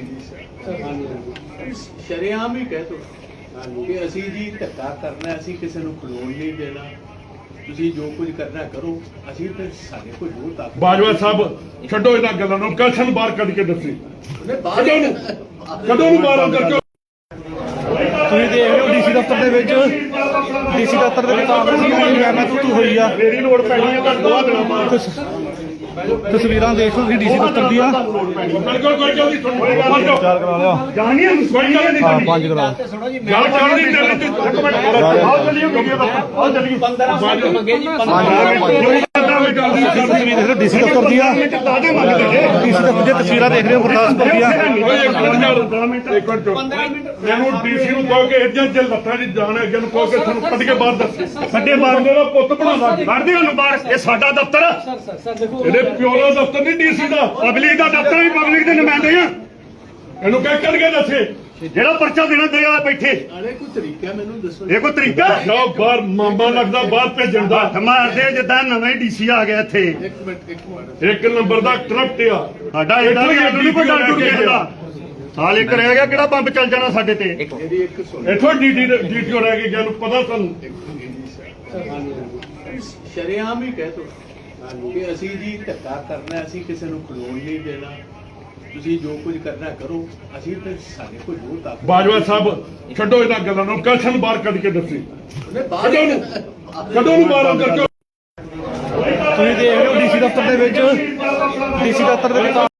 Speaker 4: ਸ਼ਰੇਆਮ ਹੀ ਕਹਿ ਤੋ ਕਿ ਅਸੀਂ ਜੀ ਧੱਕਾ ਕਰਨਾ, ਅਸੀਂ ਕਿਸੇ ਨੂੰ ਖਲੋਣ ਨਹੀਂ ਦੇਣਾ। ਤੁਸੀਂ ਜੋ ਕੁਝ ਕਰਨਾ ਕਰੋ, ਅਸੀਂ ਤੇ ਸਾਡੇ ਕੋਲ ਜੋ ਤਾਕਤ
Speaker 1: ਬਾਜਵਾ ਸਾਹਿਬ ਛੱਡੋ ਇਹਨਾਂ ਗੱਲਾਂ ਨੂੰ, ਕਲਸ਼ਨ ਬਾਹਰ ਕੱਢ ਕੇ ਦੱਸੀ
Speaker 4: ਉਹਨੇ ਬਾਹਰ
Speaker 1: ਕਦੋਂ ਨੂੰ ਕਦੋਂ ਨੂੰ ਬਾਹਰ ਅੰਦਰ ਕਿਉਂ
Speaker 2: ਤੁਸੀਂ ਦੇਖ ਰਹੇ ਹੋ ਡੀਸੀ ਦਫ਼ਤਰ ਦੇ ਵਿੱਚ ਡੀਸੀ ਦਫ਼ਤਰ ਦੇ ਵਿੱਚ ਕਾਂਗਰਸ ਦੀ ਮੈਂ ਮੈਂ ਤੂੰ ਹੋਈ ਆ
Speaker 1: ਮੇਰੀ ਲੋੜ ਪੈਣੀ ਹੈ ਤਾਂ ਦੋ ਦਿਨਾਂ ਬਾਅਦ
Speaker 2: ਤਸ- ਤਸਵੀਰਾਂ ਦੇਖ ਲਓ ਤੁਸੀਂ ਡੀਸੀ ਦਫ਼ਤਰ ਦੀਆਂ
Speaker 1: ਬਿਲਕੁਲ ਕੋਈ ਜਲਦੀ ਤੁਹਾਨੂੰ
Speaker 2: ਚਾਰ ਕਰਾ ਲਿਆ
Speaker 1: ਜਾਣੀ ਹੈ ਕੋਈ ਗੱਲ ਨਹੀਂ
Speaker 2: ਹਾਂ ਪੰਜ ਕਰਾ
Speaker 1: ਗੱਲ ਚੱਲ ਰਹੀ ਚੱਲ ਰਹੀ ਇੱਕ ਮਿੰਟ ਆਓ ਚੱਲੀਏ ਵੀਡੀਓ ਦਾ ਆਓ ਚੱਲੀਏ
Speaker 3: ਪੰਦਰਾਂ ਮਿੰਟ ਮੰਗੇ ਜੀ ਪੰਦਰਾਂ
Speaker 2: ਤਸਵੀਰ ਦੇਖ ਲਓ ਡੀਸੀ ਦਫ਼ਤਰ ਦੀਆਂ
Speaker 1: ਦਾਦੇ ਮੰਗਦੇ ਜੇ
Speaker 2: ਡੀਸੀ ਦਫ਼ਤਰ ਦੀਆਂ ਤਸਵੀਰਾਂ ਦੇਖ ਰਹੇ ਹੋ ਗੁਰਦਾਸਪੁਰ ਦੀਆਂ
Speaker 1: ਓਏ ਇੱਕ ਮਿੰਟ ਯਾਰ ਦੋ ਮਿੰਟ ਇੱਕ ਮਿੰਟ
Speaker 3: ਪੰਦਰਾਂ ਮਿੰਟ
Speaker 1: ਮੈਨੂੰ ਡੀਸੀ ਨੂੰ ਕਹੋ ਕਿ ਇੱਦਾਂ ਜੇ ਲੱਤਾਂ ਦੀ ਜਾਣ ਹੈ ਅੱਗੇ ਨੂੰ ਕਹੋ ਕਿ ਤੁਹਾਨੂੰ ਕੱਢ ਕੇ ਬਾਹਰ ਦੱਸ ਸਾਡੇ ਬਾਹਰ ਦਾ ਪੁੱਤ ਬਣਾਉਂਦਾ ਕੱਢਦੇ ਉਹਨੂੰ ਬਾਹਰ ਇਹ ਸਾਡਾ ਦਫ਼ਤਰ
Speaker 3: ਸਰ ਸਰ ਸਰ ਦੇਖੋ
Speaker 1: ਇਹਦੇ ਪਿਓ ਦਾ ਦਫ਼ਤਰ ਨਹੀਂ ਡੀਸੀ ਦਾ ਪਬਲਿਕ ਦਾ ਦਫ਼ਤਰ ਵੀ ਪਬਲਿਕ ਦੇ ਨੁਮਾਇੰਦੇ ਆ ਇਹਨੂੰ ਕਹਿ ਕੱਢ ਕੇ ਦੱਸੇ ਜਿਹੜਾ ਪਰਚਾ ਦੇਣਾ ਦੇ ਆ ਬੈਠੇ
Speaker 4: ਨਾਲੇ ਕੋਈ ਤਰੀਕਾ ਮੈਨੂੰ ਦੱਸੋ।
Speaker 1: ਇਹ ਕੋਈ ਤਰੀਕਾ ਜਾਓ ਬਾਹਰ ਮਾਮਾ ਲੱਗਦਾ ਬਾਹਰ ਭੇਜਣ ਦਾ ਹੱਥ ਮਾਰਦੇ ਜਿੱਦਾਂ ਨਵੇਂ ਡੀਸੀ ਆ ਗਿਆ ਇੱਥੇ
Speaker 4: ਇੱਕ ਮਿੰਟ ਇੱਕ ਮਿੰਟ
Speaker 1: ਇੱਕ ਨੰਬਰ ਦਾ ਕਰਪਟ ਆ ਸਾਡਾ ਇਹਦਾ ਵੀ ਇਹਨੂੰ ਨਹੀਂ ਕੋਈ ਡਰ ਡੁਰ ਕਿਸੇ ਦਾ ਸਾਲ ਇੱਕ ਰਹਿ ਗਿਆ ਕਿਹੜਾ ਬੰਬ ਚੱਲ ਜਾਣਾ ਸਾਡੇ ਤੇ
Speaker 4: ਇਹਦੀ ਇੱਕ ਸੁਣ
Speaker 1: ਇੱਥੋਂ ਡੀਟੀ ਡੀਟੀਓ ਰਹਿ ਗਈ ਨੂੰ ਪਤਾ ਤੁਹਾਨੂੰ
Speaker 4: ਸ਼ਰੇਆਮ ਹੀ ਕਹਿ ਤੋ ਕਿ ਅਸੀਂ ਜੀ ਧੱਕਾ ਕਰਨਾ, ਅਸੀਂ ਕਿਸੇ ਨੂੰ ਖਲੋਣ ਨਹੀਂ ਦੇਣਾ। ਤੁਸੀਂ ਜੋ ਕੁਝ ਕਰਨਾ ਕਰੋ, ਅਸੀਂ ਤੇ ਸਾਡੇ ਕੋਲ ਜੋ ਤਾਕਤ
Speaker 1: ਬਾਜਵਾ ਸਾਹਿਬ ਛੱਡੋ ਇਹਨਾਂ ਗੱਲਾਂ ਨੂੰ, ਕਲਸ਼ਨ ਬਾਹਰ ਕੱਢ ਕੇ ਦੱਸੀ
Speaker 4: ਉਹਨੇ ਬਾਹਰ
Speaker 1: ਕਦੋਂ ਨੂੰ ਕਦੋਂ ਨੂੰ ਬਾਹਰ ਅੰਦਰ ਕਿਉਂ
Speaker 2: ਤੁਸੀਂ ਦੇਖ ਰਹੇ ਹੋ ਡੀਸੀ ਦਫ਼ਤਰ ਦੇ ਵਿੱਚ ਡੀਸੀ ਦਫ਼ਤਰ ਦੇ ਵਿੱਚ